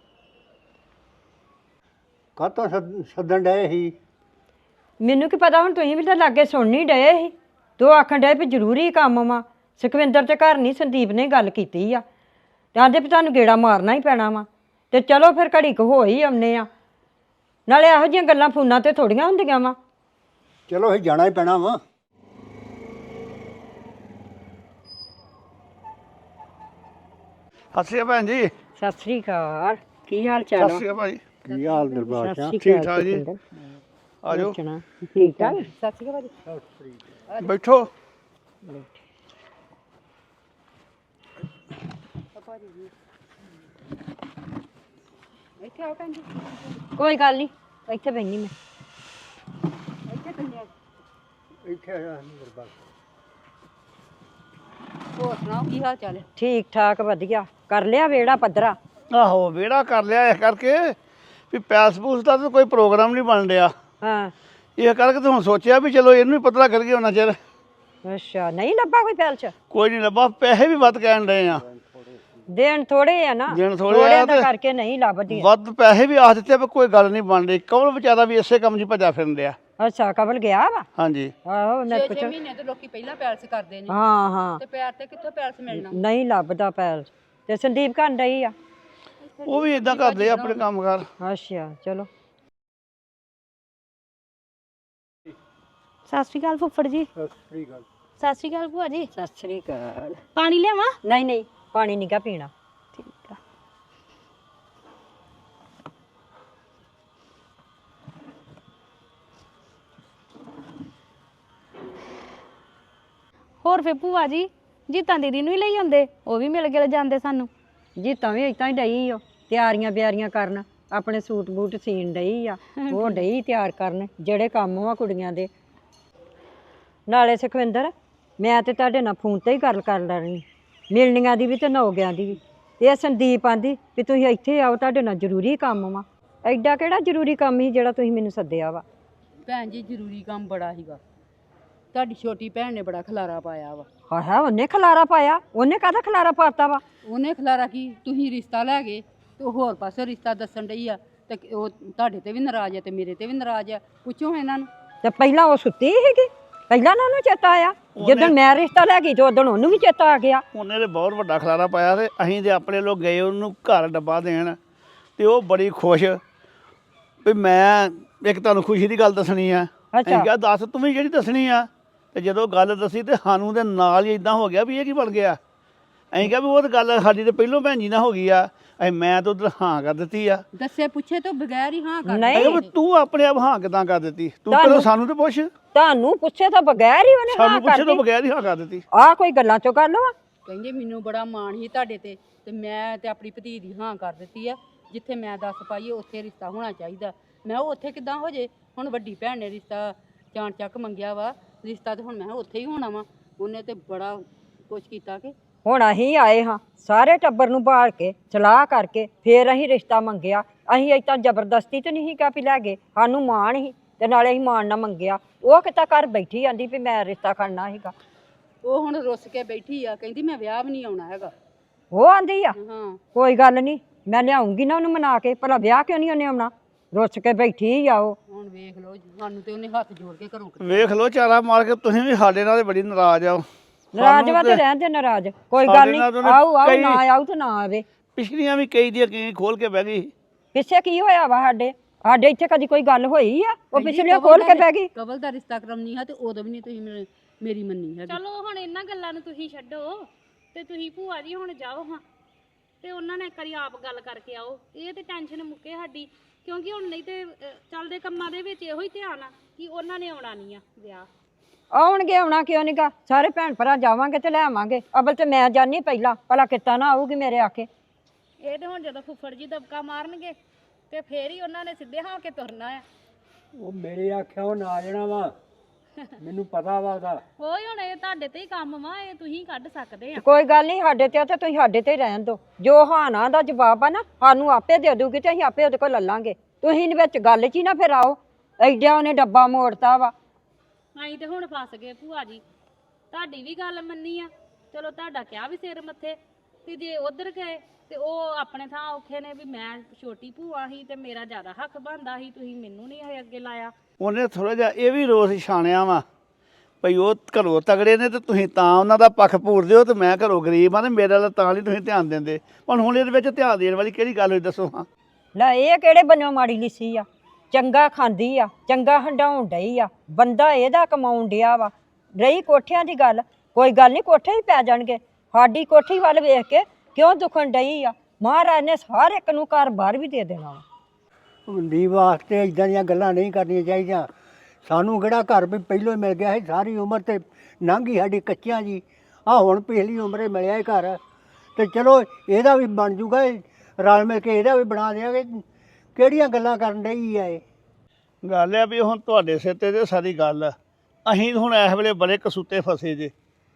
ਕਾਹਤੋਂ ਸੱਦਣ ਡਏ ਸੀ? ਮੈਨੂੰ ਕੀ ਪਤਾ, ਹੁਣ ਤੁਸੀਂ ਵੀ ਤਾਂ ਲਾਗੇ ਸੁਣ ਨਹੀਂ ਡਏ ਸੀ। ਤੂੰ ਆਖਣ ਡਏ ਵੀ ਜ਼ਰੂਰੀ ਕੰਮ ਵਾ। ਸੁਖਵਿੰਦਰ ਤੇ ਘਰ ਨਹੀਂ, ਸੰਦੀਪ ਨੇ ਗੱਲ ਕੀਤੀ ਆ, ਤੇ ਆਂਦੇ ਵੀ ਤੁਹਾਨੂੰ ਗੇੜਾ ਮਾਰਨਾ ਹੀ ਪੈਣਾ ਵਾ। ਤੇ ਚਲੋ ਫਿਰ ਘੜੀ ਕੁ ਹੋ ਹੀ ਆਉਂਦੇ ਆ, ਨਾਲੇ ਇਹੋ ਜਿਹੀਆਂ ਗੱਲਾਂ ਫੋਨਾਂ ਤੇ ਥੋੜੀਆਂ ਹੁੰਦੀਆਂ ਵਾ। ਚਲੋ ਅਸੀਂ ਜਾਣਾ ਹੀ ਪੈਣਾ ਵਾ। ਸਤਿ ਸ਼੍ਰੀ ਅਕਾਲ ਭੈਣ ਜੀ। ਸਤਿ ਸ੍ਰੀ ਅਕਾਲ, ਕੀ ਹਾਲ ਸਤਿ ਚਾਲ ਸ਼੍ਰੀ ਅਕਾਲ ਭਾਜੀ। ਕੀ ਹਾਲ ਦਰਬਾਰ ਸਿੰਘ? ਠੀਕ ਠਾਕ ਜੀ। ਆ ਜਾਓ ਠੀਕ ਠਾਕ। ਸਤਿ ਸ਼੍ਰੀ ਅਕਾਲ ਭਾਜੀ। ਬੈਠੋ। ਇੱਥੇ ਆਓ ਭੈਣ ਜੀ। ਕੋਈ ਗੱਲ ਨਹੀਂ, ਇੱਥੇ ਬੈਣੀ ਮੈਂ। ਇੱਥੇ ਆ ਦਰਬਾਰ। ਹੋਰ ਸੁਣਾਓ ਕੀ ਹਾਲ ਚਾਲ ਹੈ? ਠੀਕ ਠਾਕ ਵਧੀਆ। ਕਰ ਲਿਆ ਵਿਹੜਾ ਪੱਧਰਾ? ਆਹੋ ਵਿਹੜਾ ਕਰ ਲਿਆ, ਇਸ ਕਰਕੇ ਵੀ ਪੈਲਸ ਪੂਸ ਦਾ ਤਾਂ ਕੋਈ ਪ੍ਰੋਗਰਾਮ ਨਹੀਂ ਬਣ ਰਿਹਾ, ਹਾਂ। ਇਹ ਕਰਕੇ ਤੇ ਹੁਣ ਸੋਚਿਆ ਵੀ ਚਲੋ ਇਹਨੂੰ ਹੀ ਪਤਲਾ ਕਰੀਏ ਉਹਨਾਂ ਚਿਰ। ਅੱਛਾ, ਨਹੀਂ ਲੱਭਾ ਕੋਈ ਪੈਲ ਚ? ਕੋਈ ਨਹੀਂ ਲੱਭਾ, ਪੈਸੇ ਵੀ ਵੱਧ ਕਹਿਣ ਰਹੇ ਆ। ਦੇਣ ਥੋੜੇ ਆ ਨਾ, ਦੇਣ ਥੋੜ੍ਹੇ ਆ ਦਾ ਤੇ ਕਰਕੇ ਨਹੀਂ ਲੱਭਦੀ। ਵੱਧ ਪੈਸੇ ਵੀ ਆਖ ਦਿੱਤੇ, ਪਰ ਕੋਈ ਗੱਲ ਨਹੀਂ ਬਣ ਰਹੀ। ਕਮਲ ਵਿਚਾਰਾ ਵੀ ਇਸੇ ਕੰਮ 'ਚ ਭੱਜਾ ਫਿਰਨ ਡਿਆ। ਅੱਛਾ, ਕਬਲ ਗਿਆ ਵਾ? ਹਾਂਜੀ। ਆਹੋ ਮੈਂ 6 ਮਹੀਨੇ ਤੋਂ ਲੋਕੀ ਪਹਿਲਾਂ ਪੈਲਸ ਕਰਦੇ ਨੇ, ਹਾਂ ਹਾਂ, ਤੇ ਪੈਰ ਤੇ ਕਿੱਥੋਂ ਪੈਲਸ ਮਿਲਣਾ? ਨਹੀਂ ਲੱਭਦਾ ਪੈਲ। ਤੇ ਸੰਦੀਪ ਕਰਨ ਡਈ ਆ? ਉਹ ਵੀ ਇਦਾਂ ਕਰਦੇ ਆ ਆਪਣੇ ਕੰਮ ਕਾਰ। ਅੱਛਾ ਚਲੋ। ਸਤਿ ਸ਼੍ਰੀ ਅਕਾਲ ਫੁੱਫੜ ਜੀ। ਸਤਿ ਸ੍ਰੀ ਅਕਾਲ। ਸਤਿ ਸ਼੍ਰੀ ਅਕਾਲ ਭੂਆ ਜੀ। ਸਤਿ ਸ੍ਰੀ ਅਕਾਲ। ਪਾਣੀ ਲਿਆਵਾਂ? ਨਹੀਂ ਨਹੀਂ, ਪਾਣੀ ਨੀਗਾ ਪੀਣਾ। ਠੀਕ ਆ। ਹੋਰ ਫੇ ਭੂਆ ਜੀ, ਜੀਤਾਂ ਦੀਦੀ ਨੂੰ ਹੀ ਲਈ ਆਉਂਦੇ, ਉਹ ਵੀ ਮਿਲ ਕੇ ਜਾਂਦੇ ਸਾਨੂੰ। ਜੀ ਤਾਂ ਵੀ ਇਤਾਂ ਹੀ ਡਈ ਓ ਤਿਆਰੀਆਂ ਬਿਆਰੀਆਂ ਕਰਨ, ਆਪਣੇ ਸੂਟ ਬੂਟ ਸੀਣ ਡਈ ਆ। ਉਹ ਡਈ ਤਿਆਰ ਕਰਨ ਜਿਹੜੇ ਕੰਮ ਵਾ ਕੁੜੀਆਂ ਦੇ। ਨਾਲੇ ਸੁਖਵਿੰਦਰ, ਮੈਂ ਤੇ ਤੁਹਾਡੇ ਨਾਲ ਫੋਨ ਤੇ ਹੀ ਗੱਲ ਕਰ ਲੈਣੀ, ਮਿਲਣੀਆਂ ਦੀ ਵੀ ਤੇ ਨੌਗਿਆਂ ਦੀ ਵੀ। ਇਹ ਸੰਦੀਪ ਆਂਦੀ ਵੀ ਤੁਸੀਂ ਇੱਥੇ ਆਓ, ਤੁਹਾਡੇ ਨਾਲ ਜ਼ਰੂਰੀ ਕੰਮ ਵਾ। ਐਡਾ ਕਿਹੜਾ ਜ਼ਰੂਰੀ ਕੰਮ ਸੀ ਜਿਹੜਾ ਤੁਸੀਂ ਮੈਨੂੰ ਸੱਦਿਆ ਵਾ? ਭੈਣ ਜੀ ਜ਼ਰੂਰੀ ਕੰਮ ਬੜਾ ਸੀਗਾ, ਤੁਹਾਡੀ ਛੋਟੀ ਭੈਣ ਨੇ ਬੜਾ ਖਲਾਰਾ ਪਾਇਆ ਵਾ। ਹਾਂ, ਉਹਨੇ ਖਲਾਰਾ ਪਾਇਆ? ਉਹਨੇ ਕਾਹਦਾ ਖਲਾਰਾ ਪਾਤਾ ਵਾ? ਉਹਨੇ ਖਲਾਰਾ ਕੀ, ਤੁਸੀਂ ਰਿਸ਼ਤਾ ਲੈ ਗਏ ਤੇ ਉਹ ਹੋਰ ਪਾਸੇ ਰਿਸ਼ਤਾ ਦੱਸਣ ਡਈ ਆ, ਤੇ ਉਹ ਤੁਹਾਡੇ ਤੇ ਵੀ ਨਾਰਾਜ਼ ਆ ਤੇ ਮੇਰੇ ਤੇ ਵੀ ਨਾਰਾਜ਼ ਆ। ਪੁੱਛੋ ਇਹਨਾਂ ਨੂੰ। ਤੇ ਪਹਿਲਾਂ ਉਹ ਸੁੱਤੀ ਸੀਗੀ, ਪਹਿਲਾਂ ਨਾ ਉਹਨੂੰ ਚੇਤਾ ਆਇਆ? ਜਦੋਂ ਮੈਂ ਰਿਸ਼ਤਾ ਲੈ ਗਈ ਤੇ ਉਦੋਂ ਉਹਨੂੰ ਵੀ ਚੇਤਾ ਆ ਗਿਆ। ਉਹਨੇ ਤੇ ਬਹੁਤ ਵੱਡਾ ਖਲਾਰਾ ਪਾਇਆ, ਤੇ ਅਸੀਂ ਤੇ ਆਪਣੇ ਲੋਕ ਗਏ ਉਹਨੂੰ ਘਰ ਡੱਬਾ ਦੇਣ, ਤੇ ਉਹ ਬੜੀ ਖੁਸ਼ ਵੀ ਮੈਂ ਇੱਕ ਤੁਹਾਨੂੰ ਖੁਸ਼ੀ ਦੀ ਗੱਲ ਦੱਸਣੀ ਆ। ਅਸੀਂ ਕਿਹਾ ਦੱਸ ਤੂੰ ਵੀ ਜਿਹੜੀ ਦੱਸਣੀ ਆ। ਤੇ ਜਦੋਂ ਗੱਲ ਦੱਸੀ ਤੇ ਸਾਨੂੰ ਦੇ ਨਾਲ ਹੀ ਇਦਾਂ ਹੋ ਗਿਆ ਵੀ ਇਹ ਕੀ ਬਣ ਗਿਆ। ਅਸੀਂ ਕਿਹਾ ਵੀ ਉਹ ਤਾਂ ਗੱਲ ਸਾਡੀ ਤੇ ਪਹਿਲੋਂ ਭੈਣ ਜੀ ਨਾਲ ਹੋ ਗਈ ਆ, ਮੈਂ ਤਾਂ ਉਧਰ ਹਾਂ ਕਰ ਦਿੱਤੀ ਆ। ਦੱਸੇ ਪੁੱਛੇ ਤੋਂ ਬਗੈਰ ਹੀ ਹਾਂ ਕਰ ਨਹੀਂ, ਤੂੰ ਆਪਣੇ ਆਪ ਹਾਂ ਕਿਦਾਂ ਕਰ ਦਿੱਤੀ? ਤੂੰ ਪਹਿਲਾਂ ਸਾਨੂੰ ਤੇ ਪੁੱਛ। ਤੁਹਾਨੂੰ ਪੁੱਛੇ ਤਾਂ ਬਗੈਰ ਹੀ ਉਹਨੇ ਹਾਂ ਸਾਨੂੰ ਪੁੱਛੇ ਤੋਂ ਬਗੈਰ ਹੀ ਹਾਂ ਕਰ ਦਿੱਤੀ। ਆਹ ਕੋਈ ਗੱਲਾਂ ਚੋਂ ਗੱਲ ਵਾ? ਕਹਿੰਦੇ ਮੈਨੂੰ ਬੜਾ ਮਾਣ ਸੀ ਤੁਹਾਡੇ ਤੇ ਮੈਂ ਤੇ ਆਪਣੀ ਭਤੀ ਦੀ ਹਾਂ ਕਰ ਦਿੱਤੀ ਆ। ਜਿੱਥੇ ਮੈਂ ਦੱਸ ਪਾਈਏ ਉੱਥੇ ਰਿਸ਼ਤਾ ਹੋਣਾ ਚਾਹੀਦਾ। ਮੈਂ ਉਹ ਉੱਥੇ ਕਿੱਦਾਂ ਹੋ ਜੇ? ਹੁਣ ਵੱਡੀ ਭੈਣ ਨੇ ਰਿਸ਼ਤਾ ਚਾਣ ਚੱਕ ਮੰਗਿਆ ਵਾ, ਰਿਸ਼ਤਾ ਤੇ ਹੁਣ ਮੈਂ ਉੱਥੇ ਹੀ ਹੋਣਾ ਵਾ। ਉਹਨੇ ਤੇ ਬੜਾ ਕੁਛ ਕੀਤਾ ਕਿ ਹੁਣ ਅਸੀਂ ਆਏ ਹਾਂ ਸਾਰੇ ਟੱਬਰ ਨੂੰ ਬਾਲ ਕੇ ਸਲਾਹ ਕਰਕੇ, ਫੇਰ ਅਸੀਂ ਰਿਸ਼ਤਾ ਮੰਗਿਆ। ਅਸੀਂ ਏਦਾਂ ਜ਼ਬਰਦਸਤੀ ਤੇ ਨਹੀਂ ਕਿਹਾ ਵੀ ਲੈ ਗਏ, ਸਾਨੂੰ ਮਾਣ ਸੀ ਤੇ ਨਾਲੇ ਅਸੀਂ ਮਾਣ ਨਾ ਮੰਗਿਆ। ਉਹ ਕਿਤਾ ਘਰ ਬੈਠੀ ਆਂਦੀ ਵੀ ਮੈਂ ਰਿਸ਼ਤਾ ਕਰਨਾ ਸੀਗਾ। ਉਹ ਹੁਣ ਰੁੱਸ ਕੇ ਬੈਠੀ ਆ, ਕਹਿੰਦੀ ਮੈਂ ਵਿਆਹ ਵੀ ਨਹੀਂ ਆਉਣਾ ਹੈਗਾ। ਉਹ ਆਂਦੀ ਆ ਹਾਂ ਕੋਈ ਗੱਲ ਨਹੀਂ, ਮੈਂ ਲਿਆਉਂਗੀ ਨਾ ਉਹਨੂੰ ਮਨਾ ਕੇ, ਭਲਾ ਵਿਆਹ ਕਿਉਂ ਨਹੀਂ ਉਹਨੇ ਆਉਣਾ? ਰੁੱਸ ਕੇ ਬੈਠੀ ਆ ਉਹ। ਹੁਣ ਵੇਖ ਲਓ ਜੀ, ਸਾਨੂੰ ਤੇ ਉਹਨੇ ਹੱਥ ਜੋੜ ਕੇ ਘਰੋਂ ਵੇਖ ਲਓ ਚਾਰਾ ਮਾਰ ਕੇ ਤੁਸੀਂ ਵੀ ਸਾਡੇ ਨਾਲ ਤੇ ਬੜੀ ਨਾਰਾਜ਼ ਆ। ਨਾਰਾਜ਼ ਵਾ ਤੇ ਰਹਿਣ ਦੇ ਨਾਰਾਜ਼, ਕੋਈ ਸਾਡੇ ਗੱਲ ਨਹੀਂ, ਨਾਲ ਤਾਂ ਉਹਨੇ ਆਊ ਆਊ ਕਈ- ਨਾ ਆਊ ਤੇ ਨਾ ਆਵੇ। ਪਿਛਲੀਆਂ ਵੀ ਕਈ ਦੀਆਂ ਕਈ ਖੋਲ ਕੇ ਬਹਿ ਗਈ। ਪਿੱਛੇ ਕੀ ਹੋਇਆ ਵਾ ਸਾਡੇ ਇੱਥੇ ਕਦੀ ਕੋਈ ਗੱਲ ਹੋਈ ਆ? ਉਹ ਪਿਛਲੇ ਖੋਲ ਕੇ ਬਹਿ ਗਈ। ਕਬਲ ਦਾ ਰਿਸ਼ਤਾ ਕਰਾਉਣੀ ਆ ਤੇ ਉਦੋਂ ਵੀ ਨਹੀਂ ਤੁਸੀਂ ਮੇਰੀ ਮੰਨੀ ਹੈਗੀ। ਚਲੋ ਹੁਣ ਇਹਨਾਂ ਗੱਲਾਂ ਨੂੰ ਤੁਸੀਂ ਛੱਡੋ ਤੇ ਤੁਸੀਂ ਭੂਆ ਜੀ ਹੁਣ ਜਾਓ ਹਾਂ ਤੇ ਉਹਨਾਂ ਨੇ ਇੱਕ ਵਾਰੀ ਆਪ ਗੱਲ ਕਰਕੇ ਆਓ। ਇਹ ਤੇ ਟੈਨਸ਼ਨ ਮੁੱਕੇ ਸਾਡੀ, ਕਿਉਂਕਿ ਹੁਣ ਨਹੀਂ ਤੇ ਚੱਲਦੇ ਕੰਮਾਂ ਦੇ ਵਿੱਚ ਇਹੋ ਹੀ ਧਿਆਨ ਆ ਕਿ ਉਹਨਾਂ ਨੇ ਆਉਣਾ ਨਹੀਂ ਆ ਵਿਆਹ। ਆਉਣਗੇ, ਆਉਣਾ ਕਿਉਂ ਨਹੀਂਗਾ? ਸਾਰੇ ਭੈਣ ਭਰਾ ਜਾਵਾਂਗੇ ਤੇ ਲੈ ਆਵਾਂਗੇ। ਅਬਲ ਤੇ ਮੈਂ ਜਾਣੀ ਪਹਿਲਾਂ, ਭਲਾ ਕਿੱਤਾ ਨਾ ਆਊਗੀ ਮੇਰੇ ਆਕੇ। ਇਹ ਤੇ ਹੁਣ ਜਦੋਂ ਫੁੱਫੜ ਜੀ ਦਬਕਾ ਮਾਰਨਗੇ ਤੇ ਫੇਰ ਹੀ ਉਹਨਾਂ ਨੇ ਸਿੱਧੇ ਹਾਂ ਕੇ ਤੁਰਨਾ ਆ। ਉਹ ਮੇਰੇ ਆਖਿਆ ਉਹ ਨਾ ਜਾਣਾ ਵਾ, ਮੈਨੂੰ ਪਤਾ ਵਾ ਉਹਦਾ। ਹੋਈ ਹੁਣ ਇਹ ਤੁਹਾਡੇ ਤੇ ਹੀ ਕੰਮ ਵਾ, ਇਹ ਤੁਸੀਂ ਕੱਢ ਸਕਦੇ ਆ। ਕੋਈ ਗੱਲ ਨਹੀਂ, ਸਾਡੇ ਤੇ ਆ ਤੇ ਤੁਸੀਂ ਸਾਡੇ ਤੇ ਹੀ ਰਹਿਣ ਦਿਓ। ਜੋ ਹਾਂ ਨਾ ਦਾ ਜਵਾਬ ਆ ਨਾ ਸਾਨੂੰ ਆਪੇ ਦੇ ਦੂਗੀ ਤੇ ਅਸੀਂ ਆਪੇ ਉਹਦੇ ਕੋਲ ਲੱਲਾਂਗੇ। ਤੁਸੀਂ ਵਿੱਚ ਗੱਲ 'ਚ ਹੀ ਨਾ ਫਿਰ ਆਓ, ਐਡਾ ਉਹਨੇ ਡੱਬਾ ਮੋੜਤਾ ਵਾ। ਅਸੀਂ ਤੇ ਹੁਣ ਫਸ ਗਏ ਭੂਆ ਜੀ, ਤੁਹਾਡੀ ਵੀ ਗੱਲ ਮੰਨੀ ਆ, ਚਲੋ ਤੁਹਾਡਾ ਕਿਹਾ ਵੀ ਸਿਰ ਮੱਥੇ, ਤੇ ਜੇ ਉਧਰ ਗਏ ਤੇ ਉਹ ਆਪਣੇ ਥਾਂ ਔਖੇ ਨੇ ਵੀ ਮੈਂ ਛੋਟੀ ਭੂਆ ਸੀ ਤੇ ਮੇਰਾ ਜ਼ਿਆਦਾ ਹੱਕ ਬਣਦਾ ਸੀ, ਤੁਸੀਂ ਮੈਨੂੰ ਨਹੀਂ ਇਹ ਅੱਗੇ ਲਾਇਆ। ਉਹਨੇ ਥੋੜਾ ਜਿਹਾ ਇਹ ਵੀ ਰੋਸ ਛਾਣਿਆ ਵਾ ਭਈ ਉਹ ਘਰੋਂ ਤਗੜੇ ਨੇ ਤੇ ਤੁਸੀਂ ਤਾਂ ਉਹਨਾਂ ਦਾ ਪੱਖ ਪੂਰਦੇ ਹੋ ਤੇ ਮੈਂ ਘਰੋਂ ਗਰੀਬ ਆ ਤੇ ਮੇਰੇ ਵੱਲ ਤਾਂ ਨਹੀਂ ਤੁਸੀਂ ਧਿਆਨ ਦਿੰਦੇ। ਪਰ ਹੁਣ ਇਹਦੇ ਵਿੱਚ ਧਿਆਨ ਦੇਣ ਵਾਲੀ ਕਿਹੜੀ ਗੱਲ ਹੋਈ ਦੱਸੋ ਹਾਂ? ਲੈ ਇਹ ਕਿਹੜੇ ਬੰਨੋਂ ਮਾੜੀ ਲਿੱਸੀ ਆ? ਚੰਗਾ ਖਾਂਦੀ ਆ, ਚੰਗਾ ਹੰਡਾਉਣ ਡਈ ਆ, ਬੰਦਾ ਇਹਦਾ ਕਮਾਉਣ ਡਿਆ ਵਾ। ਰਹੀ ਕੋਠਿਆਂ ਦੀ ਗੱਲ, ਕੋਈ ਗੱਲ ਨਹੀਂ, ਕੋਠੇ ਹੀ ਪੈ ਜਾਣਗੇ। ਸਾਡੀ ਕੋਠੀ ਵੱਲ ਵੇਖ ਕੇ ਕਿਉਂ ਦੁਖਣ ਡਈ ਆ? ਮਹਾਰਾਜ ਨੇ ਹਰ ਇੱਕ ਨੂੰ ਘਰ ਬਾਹਰ ਵੀ ਦੇ ਦੇਣਾ ਵਾ। ਹੁੰਦੀ ਵਾਸਤੇ ਇਦਾਂ ਦੀਆਂ ਗੱਲਾਂ ਨਹੀਂ ਕਰਨੀਆਂ ਚਾਹੀਦੀਆਂ। ਸਾਨੂੰ ਕਿਹੜਾ ਘਰ ਵੀ ਪਹਿਲੋਂ ਹੀ ਮਿਲ ਗਿਆ ਸੀ, ਸਾਰੀ ਉਮਰ ਤੇ ਲੰਘੀ ਸਾਡੀ ਕੱਚਿਆਂ ਜੀ। ਆ ਹੁਣ ਪਿਛਲੀ ਉਮਰੇ ਮਿਲਿਆ ਇਹ ਘਰ, ਤੇ ਚਲੋ ਇਹਦਾ ਵੀ ਬਣ ਜੂਗਾ, ਰਲ ਮਿਲ ਕੇ ਇਹਦਾ ਵੀ ਬਣਾ ਦਿਆਂਗੇ। ਕਿਹੜੀਆਂ ਗੱਲਾਂ ਕਰਨ ਡਈ ਆ ਇਹ? ਗੱਲ ਆ ਵੀ ਹੁਣ ਤੁਹਾਡੇ ਸਿਰ ਤੇ ਸਾਰੀ ਗੱਲ ਆ। ਅਸੀਂ ਹੁਣ ਇਸ ਵੇਲੇ ਬੜੇ ਕਸੂਤੇ ਫਸੇ ਜੇ।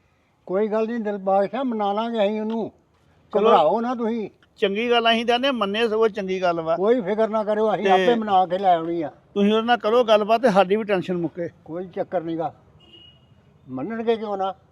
ਕੋਈ ਗੱਲ ਨਹੀਂ ਦਿਲਬਾਗ ਸਾਹਿਬ, ਮਨਾ ਲਾਂਗੇ ਅਸੀਂ ਉਹਨੂੰ। ਚਲੋ। ਘਬਰਾਓ ਨਾ ਤੁਸੀਂ, ਚੰਗੀ ਗੱਲ ਅਸੀਂ ਕਹਿੰਦੇ ਮੰਨੇ ਸਗੋਂ ਚੰਗੀ ਗੱਲ ਵਾ। ਕੋਈ ਫਿਕਰ ਨਾ ਕਰਿਓ, ਅਸੀਂ ਤੇ- ਆਪੇ ਮਨਾ ਕੇ ਲੈ ਆਉਣੀ ਆ। ਤੁਸੀਂ ਉਹਦੇ ਨਾਲ ਕਰੋ ਗੱਲਬਾਤ ਤੇ ਸਾਡੀ ਵੀ ਟੈਨਸ਼ਨ ਮੁੱਕੇ। ਕੋਈ ਚੱਕਰ ਨਹੀਂਗਾ, ਮੰਨਣਗੇ ਕਿਉਂ ਨਾ।